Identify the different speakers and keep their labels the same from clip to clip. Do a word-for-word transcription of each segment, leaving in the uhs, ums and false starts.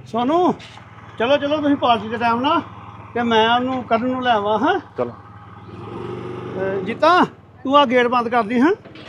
Speaker 1: सोनू चलो चलो तुम पार्टी के टाइम ना कि मैं उन्होंने कढ़न नूं ले आवां। हाँ
Speaker 2: चलो
Speaker 1: जीता तू आ गेट बंद कर दी। हाँ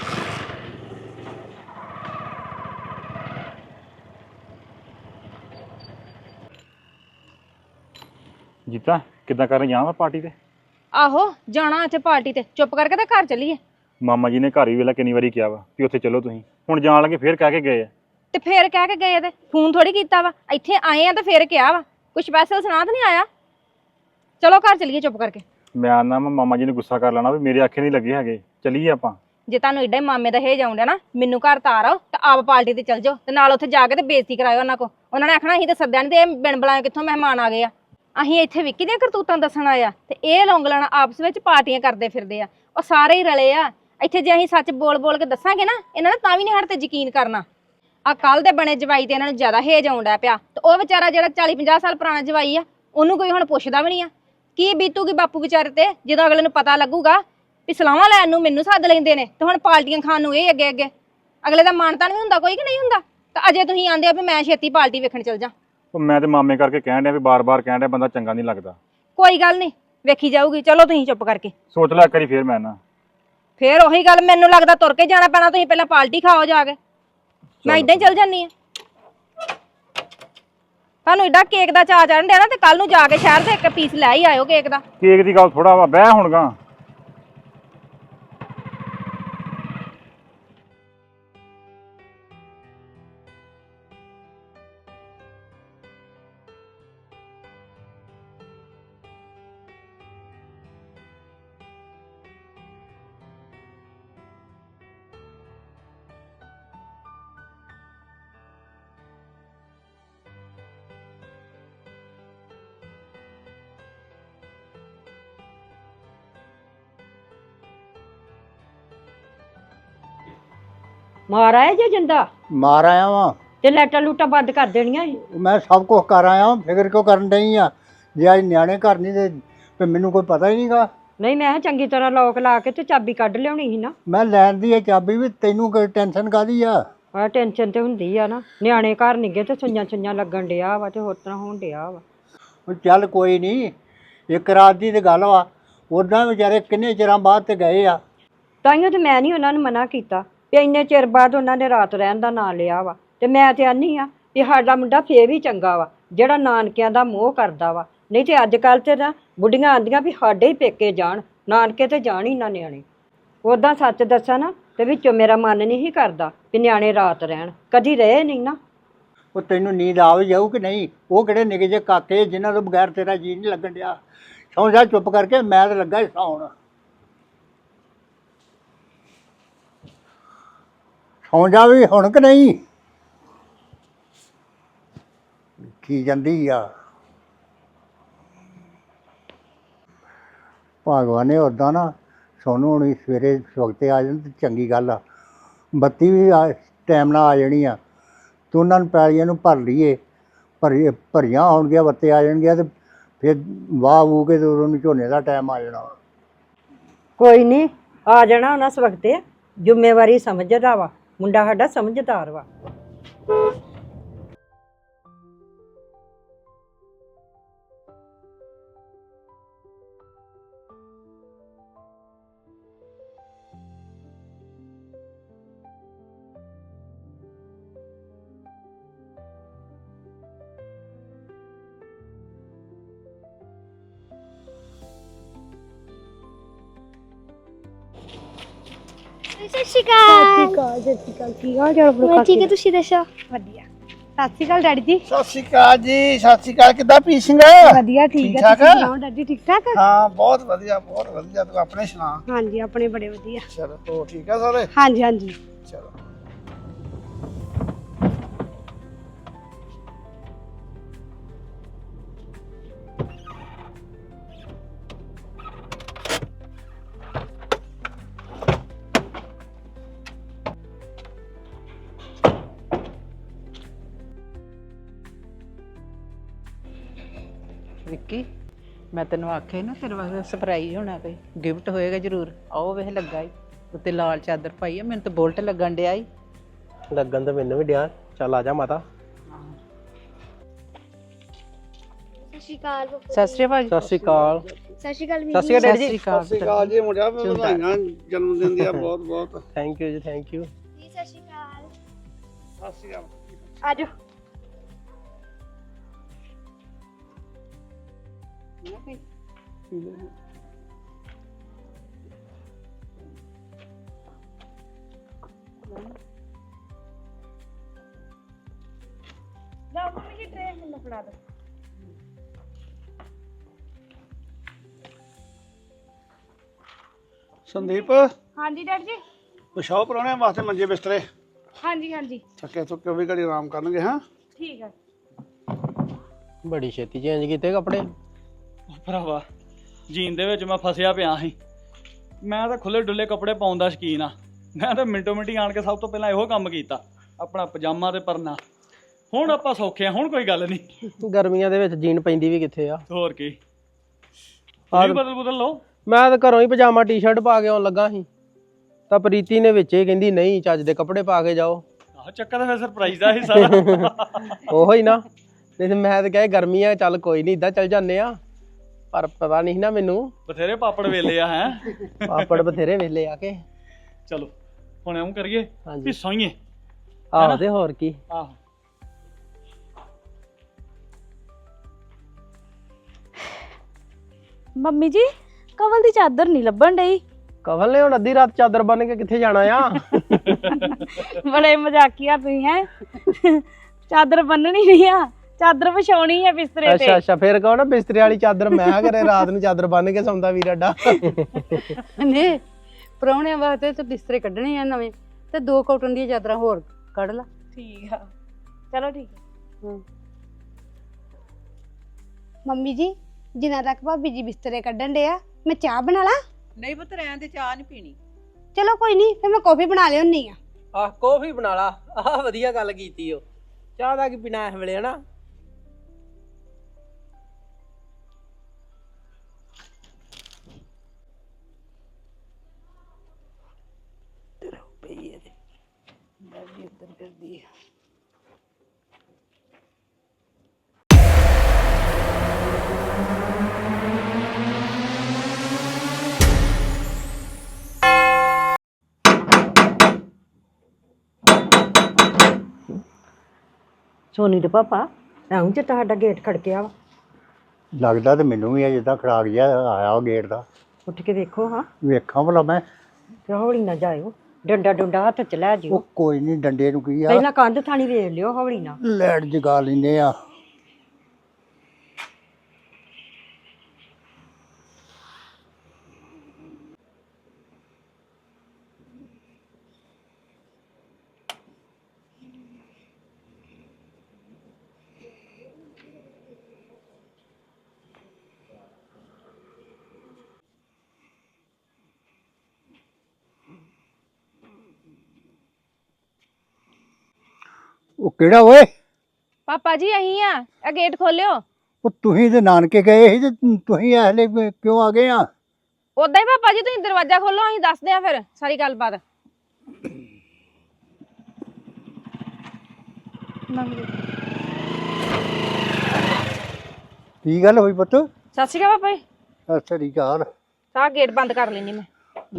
Speaker 2: जीता किदा कर जावां पार्टी ते?
Speaker 3: आहो जाना ਇੱਥੇ ਪਾਰਟੀ ਤੇ ਚੁੱਪ ਕਰਕੇ ਤੇ ਘਰ ਚੱਲੀਏ।
Speaker 2: ਮਾਮਾ ਜੀ ਨੇ ਘਰ ਵੀ ਵੇਲਾ ਕਿੰਨੀ ਵਾਰੀ ਕਿਹਾ ਵਾ ਕਿ ਉੱਥੇ ਚਲੋ ਤੁਸੀਂ, ਹੁਣ ਜਾਣ ਲੱਗੇ ਫੇਰ ਕਹਿ ਕੇ ਗਏ ਆ।
Speaker 3: ਤੇ ਫੇਰ ਕਹਿ ਕੇ ਗਏ ਤੇ ਫੋਨ ਥੋੜੀ ਕੀਤਾ ਵਾ, ਇੱਥੇ ਆਏ ਆ ਤੇ ਫੇਰ ਕਿਹਾ ਵਾ, ਕੁਝ ਸਪੈਸ਼ਲ ਸੁਣਾ ਤਾਂ ਨਹੀਂ ਆਇਆ। ਚਲੋ ਘਰ ਚੱਲੀਏ ਚੁੱਪ ਕਰਕੇ।
Speaker 2: ਮੈਂ ਆਨਾ ਮੈਂ ਮਾਮਾ ਜੀ ਨੇ ਗੁੱਸਾ ਕਰ ਲੈਣਾ ਵੀ ਮੇਰੇ ਆਖੇ ਨਹੀਂ ਲੱਗੇ ਹੈਗੇ, ਚੱਲੀਏ ਆਪਾਂ।
Speaker 3: ਜੇ ਤੁਹਾਨੂੰ ਏਡਾ ਹੀ ਮਾਮੇ ਦਾ ਹੇਜ ਆਉਂਦਾ ਨਾ, ਮੈਨੂੰ ਘਰ ਤਾਰ ਆਓ ਤੇ ਆਪ ਪਾਰਟੀ ਤੇ ਚੱਲ ਜਾਓ ਤੇ ਨਾਲ ਉੱਥੇ ਜਾ ਕੇ ਤੇ ਬੇਇੱਜ਼ਤੀ ਕਰਾਇਓ ਉਹਨਾਂ ਕੋ। ਉਹਨਾਂ ਨੇ ਆਖਣਾ ਅਸੀਂ ਤੇ ਸੱਦਿਆ ਨਹੀਂ ਤੇ ਇਹ ਬਿਨ ਬੁਲਾਏ ਕਿੱਥੋਂ ਮਹਿਮਾਨ ਆ ਗਏ ਆ। ਅਸੀਂ ਇੱਥੇ ਵਿੱਕੀ ਦੀਆਂ ਕਰਤੂਤਾਂ ਦੱਸਣ ਆਇਆ ਤੇ ਇਹ ਲੌਂਗਲਣ ਆਪਸ ਵਿੱਚ ਪਾਰਟੀਆਂ ਕਰਦੇ ਫਿਰਦੇ ਆ। ਉਹ ਸਾਰੇ ਹੀ ਰਲੇ ਆ ਇੱਥੇ। ਜੇ ਅਸੀਂ ਸੱਚ ਬੋਲ ਬੋਲ ਕੇ ਦੱਸਾਂਗੇ ਨਾ, ਇਹਨਾਂ ਨੇ ਤਾਂ ਵੀ ਨਹੀਂ ਸਾਡੇ ਤੇ ਯਕੀਨ ਕਰਨਾ। ਆ ਕੱਲ ਦੇ ਬਣੇ ਜਵਾਈ ਤੇ ਇਹਨਾਂ ਨੂੰ ਜ਼ਿਆਦਾ ਹੇਜ ਆਉਂਦਾ ਪਿਆ ਤੇ ਉਹ ਵਿਚਾਰਾ ਜਿਹੜਾ ਚਾਲੀ ਪੰਜਾਹ ਸਾਲ ਪੁਰਾਣਾ ਜਵਾਈ ਆ, ਉਹਨੂੰ ਕੋਈ ਹੁਣ ਪੁੱਛਦਾ ਵੀ ਨਹੀਂ ਆ। ਕੀ ਬੀਤੂਗੀ ਬਾਪੂ ਵਿਚਾਰੇ ਤੇ ਜਦੋਂ ਅਗਲੇ ਨੂੰ ਪਤਾ ਲੱਗੂਗਾ ਵੀ ਸਲਾਹਾਂ ਲੈਣ ਨੂੰ ਮੈਨੂੰ ਸੱਦ ਲੈਂਦੇ ਨੇ ਤੇ ਹੁਣ ਪਾਰਟੀਆਂ ਖਾਣ ਨੂੰ ਇਹ ਅੱਗੇ ਅੱਗੇ। ਅਗਲੇ ਦਾ ਮਾਣ ਤਾਣ ਵੀ ਹੁੰਦਾ ਕੋਈ ਕਿ ਨਹੀਂ ਹੁੰਦਾ। ਤਾਂ ਅਜੇ ਤੁਸੀਂ ਆਂਦੇ ਆ ਵੀ ਮੈਂ ਛੇਤੀ ਪਾਰਟੀ ਵੇਖਣ ਚੱਲ ਜਾ।
Speaker 2: ਉਹ ਮੈਂ ਤੇ ਮਾਮੇ ਕਰਕੇ ਕਹਿਣ ਡਿਆ ਵੀ ਬਾਰ-ਬਾਰ ਕਹਿਣ ਡਿਆ ਬੰਦਾ ਚੰਗਾ ਨਹੀਂ ਲੱਗਦਾ।
Speaker 3: ਕੋਈ ਗੱਲ ਨਹੀਂ ਵੇਖੀ ਜਾਊਗੀ। ਚਲੋ ਤੁਸੀਂ ਚੁੱਪ ਕਰਕੇ
Speaker 2: ਸੋਚ ਲੈ ਇੱਕ ਵਾਰੀ ਫੇਰ ਮੈਂ ਨਾ
Speaker 3: ਫੇਰ ਉਹੀ ਗੱਲ, ਮੈਨੂੰ ਲੱਗਦਾ ਤੁਰ ਕੇ ਜਾਣਾ ਪੈਣਾ। ਤੁਸੀਂ ਪਹਿਲਾਂ ਪਾਰਟੀ ਖਾਓ ਜਾ ਕੇ, ਮੈਂ ਇਦਾਂ ਹੀ ਚੱਲ ਜਾਨੀ ਆ। ਤੁਹਾਨੂੰ ਏਡਾ ਕੇਕ ਦਾ ਚਾਅ ਚੜ੍ਹਨ ਡਿਆ ਨਾ ਤੇ ਕੱਲ ਨੂੰ ਜਾ ਕੇ ਸ਼ਹਿਰ ਤੇ ਇੱਕ ਪੀਸ ਲੈ ਹੀ ਆਇਓ ਕੇਕ ਦਾ।
Speaker 2: ਕੇਕ ਦੀ ਗੱਲ ਥੋੜਾ ਵਾ, ਬਹਿ ਹੁਣ ਗਾ।
Speaker 4: ਮਾਰ ਆਇਆ ਜੇ ਜਿੰਦਾ
Speaker 5: ਮਾਰ ਆਇਆ ਵਾਂ
Speaker 4: ਤੇ ਲੈਟਾਂ ਲੂਟਾਂ ਬੰਦ ਕਰ ਦੇਣੀਆਂ ਸੀ।
Speaker 5: ਮੈਂ ਸਭ ਕੁਝ ਕਰ ਆਇਆ ਵਾਂ, ਫਿਕਰ ਕਿਉਂ ਕਰਨ ਡਈ ਆ? ਜੇ ਅੱਜ ਨਿਆਣੇ ਘਰ ਨਹੀਂ ਤੇ ਫਿਰ ਮੈਨੂੰ ਕੋਈ ਪਤਾ ਹੀ ਨਹੀਂਗਾ।
Speaker 4: ਨਹੀਂ ਮੈਂ ਕਿਹਾ ਚੰਗੀ ਤਰ੍ਹਾਂ ਲੋਕ ਲਾ ਕੇ ਤੇ ਚਾਬੀ ਕੱਢ ਲਿਆਉਣੀ ਸੀ ਨਾ।
Speaker 5: ਮੈਂ ਲੈਣ ਦੀ ਹੈ ਚਾਬੀ ਵੀ, ਤੈਨੂੰ ਕੋਈ ਟੈਨਸ਼ਨ ਕਾਹਦੀ ਆ?
Speaker 4: ਆ ਟੈਨਸ਼ਨ ਤੇ ਹੁੰਦੀ ਆ ਨਾ, ਨਿਆਣੇ ਘਰ ਨਿੱਗੇ ਤੇ ਸੁਈਆਂ ਸੁਈਆਂ ਲੱਗਣ ਡਿਆ ਵਾ ਤੇ ਹੋਰ ਤਰ੍ਹਾਂ ਹੋਣ ਡਿਆ ਵਾ।
Speaker 5: ਉਹ ਚੱਲ ਕੋਈ ਨਹੀਂ, ਇੱਕ ਰਾਤ ਦੀ ਤੇ ਗੱਲ ਵਾ। ਉੱਦਾਂ ਵਿਚਾਰੇ ਕਿੰਨੇ ਚਿਰਾਂ ਬਾਅਦ ਤੇ ਗਏ ਆ।
Speaker 4: ਤਾਈਓ ਤੇ ਮੈਂ ਨਹੀਂ ਉਹਨਾਂ ਨੂੰ ਮਨਾ ਕੀਤਾ ਵੀ ਇੰਨੇ ਚਿਰ ਬਾਅਦ ਉਹਨਾਂ ਨੇ ਰਾਤ ਰਹਿਣ ਦਾ ਨਾਂ ਲਿਆ ਵਾ। ਤੇ ਮੈਂ ਤੇ ਆਨੀ ਆ ਵੀ ਸਾਡਾ ਮੁੰਡਾ ਫੇਰ ਵੀ ਚੰਗਾ ਵਾ ਜਿਹੜਾ ਨਾਨਕਿਆਂ ਦਾ ਮੋਹ ਕਰਦਾ ਵਾ। ਨਹੀਂ ਤੇ ਅੱਜ ਕੱਲ੍ਹ ਤੇ ਨਾ ਬੁੱਢੀਆਂ ਆਂਦੀਆਂ ਵੀ ਸਾਡੇ ਹੀ ਪੇਕੇ ਜਾਣ, ਨਾਨਕੇ ਤੇ ਜਾਣ ਹੀ ਨਾ ਨਿਆਣੇ। ਉੱਦਾਂ ਸੱਚ ਦੱਸਾਂ ਨਾ ਤੇ ਵਿੱਚੋਂ ਮੇਰਾ ਮਨ ਨਹੀਂ ਸੀ ਕਰਦਾ ਵੀ ਨਿਆਣੇ ਰਾਤ ਰਹਿਣ, ਕਦੀ ਰਹੇ ਨਹੀਂ ਨਾ।
Speaker 5: ਉਹ ਤੈਨੂੰ ਨੀਂਦ ਆ ਵੀ ਜਾਊ ਕਿ ਨਹੀਂ? ਉਹ ਕਿਹੜੇ ਨਿੱਕੇ ਜਿਹੇ ਕਾਕੇ ਜਿਨ੍ਹਾਂ ਤੋਂ ਬਗੈਰ ਤੇਰਾ ਜੀਅ ਨਹੀਂ ਲੱਗਣ ਡਿਆ। ਸੌਂ ਜਾ ਚੁੱਪ ਕਰਕੇ, ਮੈਂ ਤਾਂ ਲੱਗਾ ਹੀ ਸੌਣ। ਸੌਂ ਜਾ ਵੀ ਹੁਣ ਕਿ ਨਹੀਂ? ਕੀ ਜਾਂਦੀ ਆ ਭਗਵਾਨ ਨੇ। ਉੱਦਾਂ ਨਾ ਸੋਨੂੰ ਹੁਣੀ ਸਵੇਰੇ ਵਕਤੇ ਆ ਜਾਣ ਤੇ ਚੰਗੀ ਗੱਲ ਆ। ਬੱਤੀ ਵੀ ਆ ਟਾਈਮ ਨਾਲ ਆ ਜਾਣੀ ਆ। ਤੂੰ ਉਹਨਾਂ ਨੂੰ ਪੈਲੀਆਂ ਨੂੰ ਭਰ ਲਈਏ, ਭਰੀ ਭਰੀਆਂ ਆਉਣਗੀਆਂ, ਬੱਤੇ ਆ ਜਾਣਗੀਆਂ ਤੇ ਫਿਰ ਵਾਹ ਵੂ ਕੇ ਤੇ ਉਦੋਂ ਨੂੰ ਝੋਨੇ ਦਾ ਟਾਈਮ ਆ ਜਾਣਾ।
Speaker 4: ਕੋਈ ਨਹੀਂ ਆ ਜਾਣਾ ਉਹਨਾਂ ਵਕਤੇ। ਜ਼ਿੰਮੇਵਾਰੀ ਸਮਝਦਾ ਵਾ ਮੁੰਡਾ, ਸਾਡਾ ਸਮਝਦਾਰ ਵਾ।
Speaker 6: ਸਤਿ ਸ਼੍ਰੀ ਅਕਾਲ।
Speaker 7: ਸਤਿ ਸ਼੍ਰੀ ਅਕਾਲ। ਕੀ ਹਾਲ ਚਾਲ?
Speaker 6: ਮੈਂ ਠੀਕ ਹੈ, ਤੁਸੀਂ ਦੱਸੋ?
Speaker 7: ਵਧੀਆ। ਸਤਿ ਸ਼੍ਰੀ ਅਕਾਲ ਡੈਡੀ ਜੀ।
Speaker 1: ਸਤਿ ਸ਼੍ਰੀ ਅਕਾਲ ਜੀ। ਸਤਿ ਸ਼੍ਰੀ ਅਕਾਲ। ਕਿੱਦਾਂ ਪੀ ਸਿੰਘ?
Speaker 7: ਵਧੀਆ ਠੀਕ
Speaker 1: ਠੀਕ
Speaker 7: ਹੈ।
Speaker 1: ਠਾਕ?
Speaker 7: ਤੁਸੀਂ ਸੁਣਾਓ ਡੈਡੀ ਠੀਕ ਠਾਕ?
Speaker 1: ਹਾਂ ਬਹੁਤ ਵਧੀਆ ਬਹੁਤ ਵਧੀਆ। ਤੂੰ ਆਪਣੇ ਸੁਣਾ?
Speaker 7: ਹਾਂਜੀ ਆਪਣੇ ਬੜੇ ਵਧੀਆ।
Speaker 1: ਚਲੋ ਹੋ ਠੀਕ ਆ ਸਾਰੇ?
Speaker 7: ਹਾਂਜੀ ਹਾਂਜੀ।
Speaker 1: ਚਲੋ
Speaker 8: ਵਿੱਕੀ ਮੈਂ ਤੈਨੂੰ ਆਖਿਆ ਨਾ ਤੇਰੇ ਵਾਸਤੇ ਸਰਪ੍ਰਾਈਜ਼ ਹੋਣਾ, ਕੋਈ ਗਿਫਟ ਹੋਏਗਾ ਜ਼ਰੂਰ। ਆਓ ਵੇਖ ਲੱਗਾ ਈ ਉੱਤੇ ਲਾਲ ਚਾਦਰ ਪਾਈ ਆ, ਮੈਨੂੰ ਤਾਂ ਬੁਲਟ ਲੱਗਣ ਡਿਆ ਈ।
Speaker 9: ਲੱਗਣ ਤਾਂ ਮੈਨੂੰ ਵੀ ਡਿਆ। ਚੱਲ ਆ ਜਾ ਮਾਤਾ।
Speaker 6: ਸ਼੍ਰੀ ਅਕਾਲ ਬਾਪੂ
Speaker 8: ਸਤਿ ਸ਼੍ਰੀ ਅਕਾਲ
Speaker 9: ਸਤਿ ਸ਼੍ਰੀ ਅਕਾਲ
Speaker 6: ਸਤਿ ਸ਼੍ਰੀ ਅਕਾਲ
Speaker 9: ਸਤਿ ਸ਼੍ਰੀ ਅਕਾਲ ਡੈਡੀ ਜੀ
Speaker 8: ਸਤਿ ਸ਼੍ਰੀ ਅਕਾਲ
Speaker 1: ਜੀ ਮੁੰਡਿਆ ਵਧਾਈਆਂ ਜਨਮ ਦਿਨ ਦੀਆਂ ਬਹੁਤ ਬਹੁਤ
Speaker 9: thank you ji thank you
Speaker 6: ji Sat ਸ਼੍ਰੀ ਅਕਾਲ
Speaker 1: ਸਤਿ ਸ਼੍ਰੀ ਅਕਾਲ
Speaker 7: ਆਜੋ ਲਓ ਮੰਮੀ ਜੀ ਟ੍ਰੇ ਮੈਨੂੰ ਫੜਾ ਦਿਓ
Speaker 1: ਸੰਦੀਪ
Speaker 7: ਹਾਂਜੀ ਡੈਡੀ ਜੀ
Speaker 1: ਵਿਛਾਓ ਪਰੌਣਿਆਂ ਵਾਸਤੇ ਮੰਜੇ ਬਿਸਤਰੇ
Speaker 7: ਹਾਂਜੀ ਹਾਂਜੀ
Speaker 1: ਥੱਕੇ ਥੁੱਕੇ ਵੀ ਘੜੀ ਆਰਾਮ ਕਰਨਗੇ ਹਾਂ
Speaker 7: ਠੀਕ ਆ
Speaker 9: ਬੜੀ ਛੇਤੀ ਚੇਂਜ ਕੀਤੇ ਕੱਪੜੇ
Speaker 10: ਭਰਾਵਾ ਜੀਨ ਦੇ ਵਿੱਚ ਮੈਂ ਫਸਿਆ ਪਿਆ ਸੀ। ਮੈਂ ਤਾਂ ਖੁੱਲੇ ਡੁੱਲੇ ਕੱਪੜੇ ਪਾਉਣ ਦਾ ਸ਼ੌਕੀਨ ਆ। ਮੈਂ ਤਾਂ ਮਿੰਟੋ ਮਿੰਟੀ ਆਣ ਕੇ ਸਭ ਤੋਂ ਪਹਿਲਾਂ ਇਹੋ ਕੰਮ ਕੀਤਾ, ਆਪਣਾ ਪਜਾਮਾ ਤੇ ਪਰਨਾ। ਹੁਣ ਆਪਾਂ ਸੌਖੇ ਆ, ਹੁਣ ਕੋਈ ਗੱਲ ਨਹੀਂ।
Speaker 9: ਗਰਮੀਆਂ ਦੇ ਵਿੱਚ ਜੀਨ ਪੈਂਦੀ ਵੀ ਕਿੱਥੇ ਆ।
Speaker 10: ਹੋਰ ਕੀ, ਤੁਸੀਂ ਬਦਲ ਬਦਲ ਲਓ।
Speaker 9: ਮੈਂ ਤਾਂ ਘਰੋਂ ਹੀ ਪਜਾਮਾ ਟੀ-ਸ਼ਰਟ ਪਾ ਕੇ ਆਉਣ ਲੱਗਾ ਸੀ, ਤਾਂ ਪ੍ਰੀਤੀ ਨੇ ਵਿੱਚ ਹੀ ਕਹਿੰਦੀ ਨਹੀਂ ਚੱਜ ਦੇ ਕੱਪੜੇ ਪਾ ਕੇ ਜਾਓ।
Speaker 10: ਆਹ ਚੱਕਰ ਤਾਂ ਫਿਰ ਸਰਪ੍ਰਾਈਜ਼ ਦਾ ਹਿੱਸਾ ਨਾ।
Speaker 9: ਉਹੋ ਹੀ ਨਾ, ਨਹੀਂ ਤੇ ਮੈਂ ਤਾਂ ਕਹੇ ਗਰਮੀਆਂ ਚੱਲ ਕੋਈ ਨਹੀਂ ਇਦਾਂ ਚੱਲ ਜਾਂਦੇ ਆ, ਪਰ ਪਤਾ ਨਹੀਂ ਨਾ ਮੈਨੂੰ।
Speaker 10: ਬਥੇਰੇ ਪਾਪੜ ਵੇਲੇ ਆ ਹੈ।
Speaker 9: ਪਾਪੜ ਬਥੇਰੇ ਵੇਲੇ ਆ ਕੇ।
Speaker 10: ਚਲੋ ਹੁਣ ਐਂ ਕਰੀਏ ਵੀ ਸੋਈਏ।
Speaker 9: ਆਹੋ ਤੇ ਹੋਰ ਕੀ।
Speaker 10: ਆਹੋ
Speaker 7: ਮੰਮੀ ਜੀ ਕਵਲ ਦੀ ਚਾਦਰ ਨਹੀਂ ਲੱਭਣ ਡਈ।
Speaker 9: ਕਵਲ ਨੇ ਹੁਣ ਅੱਧੀ ਰਾਤ ਚਾਦਰ ਬੰਨ ਕੇ ਕਿੱਥੇ ਜਾਣਾ ਆ।
Speaker 7: ਬੜੇ ਮਜ਼ਾਕੀਆ ਤੁਸੀਂ ਹੈ। ਚਾਦਰ ਬੰਨਣੀ ਨਹੀਂ ਆ, ਚਾਦਰ ਵਿਛਾਉਣੀ ਹੈ ਬਿਸਤਰੇ ਤੇ।
Speaker 9: ਅੱਛਾ ਅੱਛਾ, ਫਿਰ ਕਹੋ ਨਾ ਬਿਸਤਰੇ ਵਾਲੀ ਚਾਦਰ ਮੈਂ ਕਰੇ ਰਾਤ ਨੂੰ ਚਾਦਰ ਬੰਨ ਕੇ ਸੌਂਦਾ ਵੀਰ ਅੱਡਾ।
Speaker 8: ਨੇ ਪ੍ਰਾਹੁਣਿਆਂ ਵਾਸਤੇ ਤੇ ਬਿਸਤਰੇ ਕੱਢਣੇ ਆ ਨਵੇਂ, ਤੇ ਦੋ ਕਾਟਨ ਦੀਆਂ ਚਾਦਰਾਂ ਹੋਰ ਕੱਢ ਲਾ।
Speaker 7: ਠੀਕ ਆ, ਚਲੋ ਠੀਕ ਹੈ। ਮੰਮੀ ਜੀ ਜਿੰਨਾ ਤੱਕ ਭਾਬੀ ਜੀ ਬਿਸਤਰੇ ਕੱਢਣ ਦੇ ਆ, ਮੈਂ ਚਾਹ ਬਣਾ ਲਾ।
Speaker 8: ਨਹੀਂ ਪੁੱਤ ਰਹਿਣ ਦੇ, ਚਾਹ ਨਹੀਂ ਪੀਣੀ।
Speaker 7: ਚਲੋ ਕੋਈ ਨਹੀਂ, ਫਿਰ ਮੈਂ ਕੌਫੀ ਬਣਾ ਲਿਆਉਣੀ ਆ।
Speaker 9: ਆਹ ਕੌਫੀ ਬਣਾ ਲਾ। ਆਹ ਵਧੀਆ ਗੱਲ ਕੀਤੀ ਓ। ਚਾਹ ਦਾ ਕੀ ਪੀਣਾ ਇਸ ਵੇਲੇ ਹਨਾ।
Speaker 4: ਸੋਨੀ ਦੇ ਪਾਪਾ ਐਉਂ ਚ ਤੁਹਾਡਾ ਗੇਟ ਖੜਕਿਆ ਵਾ।
Speaker 5: ਲੱਗਦਾ ਤੇ ਮੈਨੂੰ ਵੀ ਆ ਜਿੱਦਾਂ ਖੜਾਕ ਜਿਹਾ ਆਇਆ ਉਹ ਗੇਟ ਦਾ।
Speaker 4: ਉੱਠ ਕੇ ਵੇਖੋ ਹਾਂ,
Speaker 5: ਵੇਖਾਂ ਭਲਾ ਮੈਂ।
Speaker 4: ਤੇ ਹੌਲੀ ਨਾ ਜਾਇਓ, ਡੰਡਾ ਡੁੰਡਾ ਹੱਥ ਚ ਲੈ ਜਿਓ।
Speaker 5: ਉਹ ਕੋਈ ਨਹੀਂ, ਡੰਡੇ ਨੂੰ ਕੀ ਆ।
Speaker 4: ਪਹਿਲਾਂ ਕੰਧ ਥਾਣੀ ਵੇਖ ਲਿਓ ਹੌਲੀ ਨਾ।
Speaker 5: ਲੈਟ ਜਗਾ ਲੈਂਦੇ ਆ। ਉਹ ਕਿਹੜਾ ਓਏ?
Speaker 3: ਪਾਪਾ ਜੀ ਅਹੀਂ ਆ, ਇਹ ਗੇਟ ਖੋਲਿਓ।
Speaker 5: ਉਹ ਤੁਸੀਂ ਤੇ ਨਾਨਕੇ ਗਏ ਸੀ ਤੇ ਤੁਸੀਂ ਐਹਲੇ ਕਿਉਂ ਆ ਗਏ ਆ?
Speaker 3: ਉਦਾਂ ਹੀ ਪਾਪਾ ਜੀ ਤੁਸੀਂ ਦਰਵਾਜ਼ਾ ਖੋਲੋ, ਅਸੀਂ ਦੱਸਦੇ ਆ ਫਿਰ ਸਾਰੀ ਗੱਲਬਾਤ।
Speaker 5: ਕੀ ਗੱਲ ਹੋਈ ਪੁੱਤ?
Speaker 3: ਸਤਿ ਸ਼੍ਰੀ ਅਕਾਲ ਪਾਪਾ ਜੀ।
Speaker 5: ਸਤਿ ਸ੍ਰੀ ਅਕਾਲ।
Speaker 3: ਸਾਰਾ ਗੇਟ ਬੰਦ ਕਰ ਲੈਣੀ ਮੈਂ।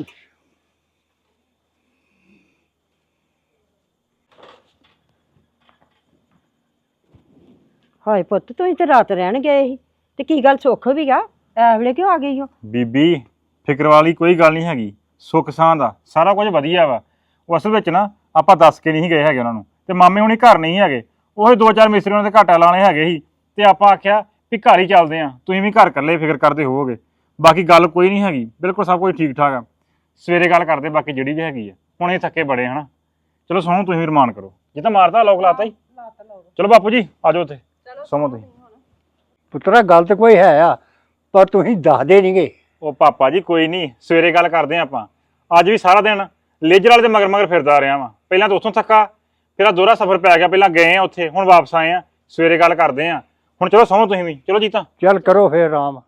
Speaker 4: ਹਾਏ ਪੁੱਤ ਤੁਸੀਂ ਤੇ ਰਾਤ ਰਹਿਣ ਗਏ ਸੀ, ਤੇ ਕੀ ਗੱਲ ਸੁੱਖ ਵੀ ਗਾ ਐ ਵੇਲੇ ਕਿਉਂ ਆ ਗਈ ਹੋ?
Speaker 2: ਬੀਬੀ ਫਿਕਰ ਵਾਲੀ ਕੋਈ ਗੱਲ ਨਹੀਂ ਹੈਗੀ। ਸੁੱਖ ਸਾਂ ਦਾ ਸਾਰਾ ਕੁਝ ਵਧੀਆ ਵਾ। ਉਹ ਅਸਲ ਵਿੱਚ ਨਾ ਆਪਾਂ ਦੱਸ ਕੇ ਨਹੀਂ ਗਏ ਹੈਗੇ ਉਹਨਾਂ ਨੂੰ, ਤੇ ਮਾਮੇ ਹੁਣੀ ਘਰ ਨਹੀਂ ਹੈਗੇ। ਉਹ ਦੋ ਚਾਰ ਮਿਸਤਰੀ ਉਹਨਾਂ ਦੇ ਘਾਟਾ ਲਾਣੇ ਹੈਗੇ ਸੀ, ਤੇ ਆਪਾਂ ਆਖਿਆ ਵੀ ਘਰ ਹੀ ਚੱਲਦੇ ਆ। ਤੁਸੀਂ ਵੀ ਘਰ ਇਕੱਲੇ ਫਿਕਰ ਕਰਦੇ ਹੋਵੋਗੇ। ਬਾਕੀ ਗੱਲ ਕੋਈ ਨਹੀਂ ਹੈਗੀ, ਬਿਲਕੁਲ ਸਭ ਕੁਝ ਠੀਕ ਠਾਕ ਆ। ਸਵੇਰੇ ਗੱਲ ਕਰਦੇ ਬਾਕੀ ਜਿਹੜੀ ਵੀ ਹੈਗੀ ਆ। ਹੁਣ ਇਹ ਥੱਕੇ ਬੜੇ ਹਨਾ। ਚਲੋ ਸੌਂ, ਤੁਸੀਂ ਵੀ ਰਮਾਨ ਕਰੋ। ਜੇ ਤਾਂ ਮਾਰਦਾ ਲੋਕ ਲਾਤਾ ਹੀ। ਚਲੋ ਬਾਪੂ ਜੀ ਆ ਜਾਓ ਉੱਥੇ ਸੌਂ ਤੁਸੀਂ।
Speaker 5: ਪੁੱਤਰਾ ਗੱਲ ਤੇ ਕੋਈ ਹੈ ਆ, ਪਰ ਤੁਸੀਂ ਦੱਸਦੇ ਨਹੀਂ ਗੇ।
Speaker 2: ਉਹ ਪਾਪਾ ਜੀ ਕੋਈ ਨਹੀਂ, ਸਵੇਰੇ ਗੱਲ ਕਰਦੇ ਆ ਆਪਾਂ। ਅੱਜ ਵੀ ਸਾਰਾ ਦਿਨ ਲੇਜਰ ਵਾਲੇ ਦੇ ਮਗਰ ਮਗਰ ਫਿਰਦਾ ਰਿਹਾ ਵਾਂ। ਪਹਿਲਾਂ ਤਾਂ ਉੱਥੋਂ ਥੱਕਾ, ਫਿਰ ਆ ਦੋਹਰਾ ਸਫ਼ਰ ਪੈ ਗਿਆ। ਪਹਿਲਾਂ ਗਏ ਆ ਉੱਥੇ, ਹੁਣ ਵਾਪਸ ਆਏ ਆ। ਸਵੇਰੇ ਗੱਲ ਕਰਦੇ ਆ। ਹੁਣ ਚਲੋ ਸੌਂ ਤੁਸੀਂ ਵੀ। ਚਲੋ ਜੀਤਾ
Speaker 5: ਚੱਲ ਕਰੋ ਫੇਰ ਆਰਾਮ।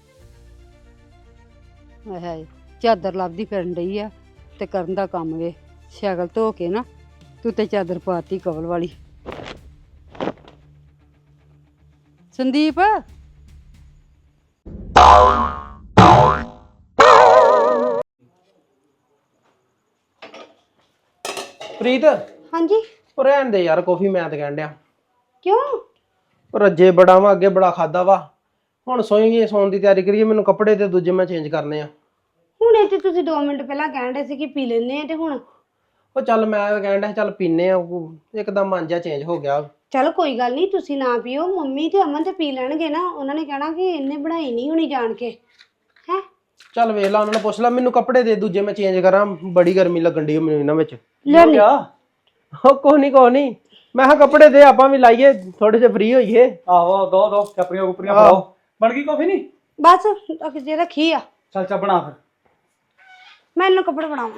Speaker 8: ਹਾਏ ਚਾਦਰ ਲੱਭਦੀ ਫਿਰਨ ਡਈ ਆ ਤੇ ਕਰਨ ਦਾ ਕੰਮ ਵੇ।
Speaker 11: ਸ਼ਕਲ ਧੋ ਕੇ ਨਾ ਤੂੰ ਤੇ ਚਾਦਰ ਪਾਤੀ ਕਵਲ ਵਾਲੀ। ਸੰਦੀਪ
Speaker 9: ਪ੍ਰੀਤ
Speaker 6: ਹਾਂਜੀ
Speaker 9: ਉਹ ਰਹਿਣ ਦੇ ਯਾਰ, ਕਾਫੀ ਮੈਂ ਤਾਂ ਕਹਿਣ ਡਿਆ।
Speaker 6: ਕਿਉਂ?
Speaker 9: ਉਹ ਰੱਜੇ ਬੜਾ ਵਾ, ਅੱਗੇ ਬੜਾ ਖਾਦਾ ਵਾ। ਹੁਣ ਸੋਈਏ, ਸੌਣ ਦੀ ਤਿਆਰੀ ਕਰੀਏ। ਮੈਨੂੰ ਕੱਪੜੇ ਤੇ ਦੂਜੇ ਮੈਂ ਚੇਂਜ ਕਰਨੇ ਆ।
Speaker 6: ਹੁਣ ਇਹ ਤੇ ਤੁਸੀਂ ਦੋ ਮਿੰਟ ਪਹਿਲਾਂ ਕਹਿਣ ਰਹੇ ਸੀ ਕਿ ਪੀ ਲੈਣੇ ਆ ਤੇ ਹੁਣ
Speaker 9: ਉਹ ਚੱਲ ਮੈਂ ਤਾਂ ਕਹਿਣ ਡਿਆ ਚੱਲ ਪੀਨੇ ਆ। ਉਹ ਇੱਕਦਮ ਮਨ ਜਿਹਾ ਚੇਂਜ ਹੋ ਗਿਆ।
Speaker 6: ਚਲੋ ਕੋਈ ਗੱਲ ਨਹੀਂ, ਤੁਸੀਂ ਨਾ ਪੀਓ, ਮੰਮੀ ਤੇ ਅਮਨ ਤੇ ਪੀ ਲੈਣਗੇ ਨਾ। ਉਹਨਾਂ ਨੇ ਕਹਿਣਾ ਕਿ ਇਹਨੇ ਬਣਾਈ ਨਹੀਂ ਹੋਣੀ ਜਾਣ ਕੇ। ਹੈ
Speaker 9: ਚੱਲ ਵੇਖ ਲਾ, ਉਹਨਾਂ ਨੇ ਪੁੱਛ ਲਾ। ਮੈਨੂੰ ਕੱਪੜੇ ਦੇ ਦੂਜੇ ਮੈਂ ਚੇਂਜ ਕਰਾਂ, ਬੜੀ ਗਰਮੀ ਲੱਗਣ ਦੀ ਮੈਨੂੰ ਇਹਨਾਂ ਵਿੱਚ।
Speaker 6: ਲੈ ਲਈ।
Speaker 9: ਉਹ ਕੋਈ ਨਹੀਂ ਕੋਈ ਨਹੀਂ, ਮੈਂ ਕਿਹਾ ਕੱਪੜੇ ਦੇ, ਆਪਾਂ ਵੀ ਲਾਈਏ, ਥੋੜੇ ਜਿਹਾ ਫ੍ਰੀ ਹੋਈਏ।
Speaker 10: ਆਹੋ ਦੋ ਦੋ ਚੱਪਰੀਆਂ ਕੁਪਰੀਆਂ ਪਾਓ। ਬਣ ਗਈ ਕਾਫੀ? ਨਹੀਂ
Speaker 6: ਬਸ ਜੇ ਰੱਖੀ ਆ।
Speaker 10: ਚੱਲ ਚੱਲ ਬਣਾ ਫਿਰ।
Speaker 6: ਮੈਂ ਇਹਨੂੰ ਕੱਪੜੇ ਬਣਾਵਾਂ।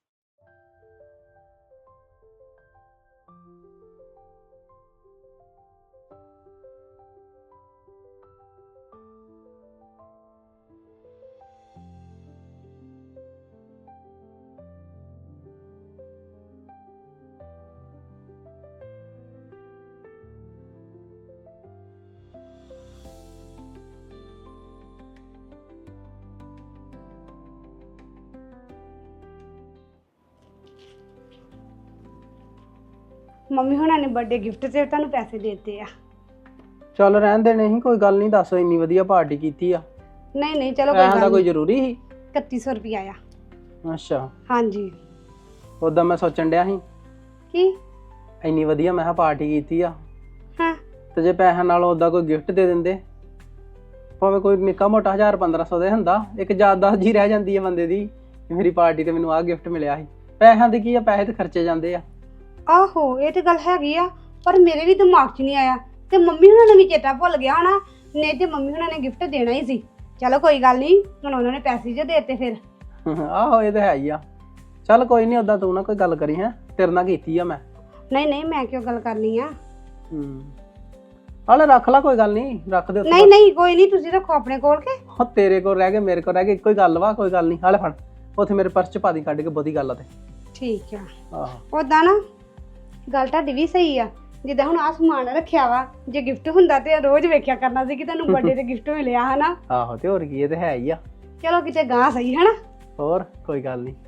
Speaker 6: ਮੰਮੀ ਹੁਣਾਂ ਨੇ ਬਰਥਡੇ ਗਿਫਟ ਤੇ ਤੁਹਾਨੂੰ ਪੈਸੇ ਦੇ ਦਿੱਤੇ ਆ।
Speaker 9: ਚੱਲ ਰਹਿਣ ਦੇ, ਨਹੀਂ ਕੋਈ ਗੱਲ ਨਹੀਂ। ਦੱਸ, ਇੰਨੀ ਵਧੀਆ ਪਾਰਟੀ ਕੀਤੀ ਆ।
Speaker 6: ਨਹੀਂ ਨਹੀਂ ਚਲੋ ਕੋਈ
Speaker 9: ਪੈਸਿਆਂ ਦਾ
Speaker 6: ਗੱਲ
Speaker 9: ਕੋਈ
Speaker 6: ਨਹੀਂ।
Speaker 9: ਜ਼ਰੂਰੀ ਸੀ?
Speaker 6: ਇਕੱਤੀ ਸੌ ਰੁਪਇਆ ਆ।
Speaker 9: ਅੱਛਾ,
Speaker 6: ਹਾਂਜੀ।
Speaker 9: ਉਦਾਂ ਮੈਂ ਸੋਚਣ ਡਿਆ ਸੀ,
Speaker 6: ਕੀ?
Speaker 9: ਇੰਨੀ ਵਧੀਆ ਮੈਂ ਕਿਹਾ ਪਾਰਟੀ ਕੀਤੀ ਆ,
Speaker 6: ਹਾਂ
Speaker 9: ਤੇ ਜੇ ਪੈਸਿਆਂ ਨਾਲ ਉਦਾਂ ਕੋਈ ਗਿਫਟ ਦੇ ਦਿੰਦੇ, ਭਾਵੇਂ ਕੋਈ ਨਿੱਕਾ ਮੋਟਾ ਹਜ਼ਾਰ ਪੰਦਰਾਂ ਸੌ ਦੇ ਹੁੰਦਾ, ਇੱਕ ਯਾਦਦਾਸ਼ਤ ਜੀ ਰਹਿ ਜਾਂਦੀ ਹੈ ਬੰਦੇ ਦੀ, ਮੇਰੀ ਪਾਰਟੀ ਤੇ ਮੈਨੂੰ ਆਹ ਗਿਫਟ ਮਿਲਿਆ ਸੀ। ਪੈਸਿਆਂ ਦੀ ਕੀ ਆ, ਪੈਸੇ ਤੇ ਖਰਚੇ ਜਾਂਦੇ ਆ।
Speaker 6: ਆਹੋ ਇਹ ਤੇ ਗੱਲ ਹੈਗੀ ਆ, ਪਰ ਮੇਰੇ ਵੀ ਦਿਮਾਗ 'ਚ ਨਹੀਂ ਆਇਆ ਤੇ ਮੰਮੀ ਹੁਣਾਂ ਨੂੰ ਵੀ ਚੇਤਾ ਭੁੱਲ ਗਿਆ ਹੋਣਾ। ਨਹੀਂ ਤੇ ਮੰਮੀ ਹੁਣਾਂ ਨੇ ਗਿਫਟ ਦੇਣਾ ਹੀ ਸੀ। ਚਲੋ ਕੋਈ ਗੱਲ ਨਹੀਂ, ਹੁਣ ਉਹਨਾਂ ਨੇ ਪੈਸੇ ਜੇ ਦੇਤੇ ਫਿਰ।
Speaker 9: ਆਹੋ ਇਹ ਤਾਂ ਹੈ ਹੀ ਆ। ਚੱਲ ਕੋਈ ਨਹੀਂ, ਉਦਾਂ ਤੂੰ ਨਾ ਕੋਈ ਗੱਲ ਕਰੀ। ਹੈ ਤੇਰੇ ਨਾਲ ਕੀਤੀ ਆ ਮੈਂ।
Speaker 6: ਨਹੀਂ ਨਹੀਂ ਮੈਂ ਕਿਉਂ ਗੱਲ ਕਰਨੀ ਆ।
Speaker 9: ਹੂੰ ਹਾਲੇ ਰੱਖ ਲਾ, ਕੋਈ ਗੱਲ ਨਹੀਂ, ਰੱਖ ਦੇ ਉੱਥੇ।
Speaker 6: ਨਹੀਂ ਨਹੀਂ ਕੋਈ ਨਹੀਂ, ਤੁਸੀਂ ਰੱਖੋ ਆਪਣੇ ਕੋਲ ਕੇ।
Speaker 9: ਉਹ ਤੇਰੇ ਕੋਲ ਰਹਿ ਗਏ, ਮੇਰੇ ਕੋਲ ਰਹਿ ਗਏ, ਇੱਕੋ ਹੀ ਗੱਲ ਵਾ। ਕੋਈ ਗੱਲ ਨਹੀਂ, ਹਾਲੇ ਫੜ, ਉੱਥੇ ਮੇਰੇ ਪਰਸ ਚ ਪਾ ਦੀ ਕੱਢ ਕੇ, ਬਹੁਤੀ ਗੱਲ ਆ ਤੇ।
Speaker 6: ਠੀਕ ਆ।
Speaker 9: ਆਹੋ
Speaker 6: ਉਦਾਂ ਨਾ ਗੱਲ ਤੁਹਾਡੀ ਵੀ ਸਹੀ ਆ। ਜਿੱਦਾਂ ਹੁਣ ਆਹ ਸਮਾਨ ਰੱਖਿਆ ਵਾ, ਜੇ ਗਿਫਟ ਹੁੰਦਾ ਤੇ ਰੋਜ਼ ਵੇਖਿਆ ਕਰਨਾ ਸੀ ਕਿ ਤੁਹਾਨੂੰ ਬਰਥਡੇ ਤੇ ਗਿਫਟ ਮਿਲਿਆ ਹਨਾ।
Speaker 9: ਆਹੋ ਤੇ ਹੋਰ ਕੀ, ਇਹ ਤੇ ਹੈ ਹੀ ਆ।
Speaker 6: ਚਲੋ ਕਿਤੇ ਗਾਂ ਸਹੀ ਹਨਾ।
Speaker 9: ਹੋਰ ਕੋਈ ਗੱਲ ਨਹੀਂ।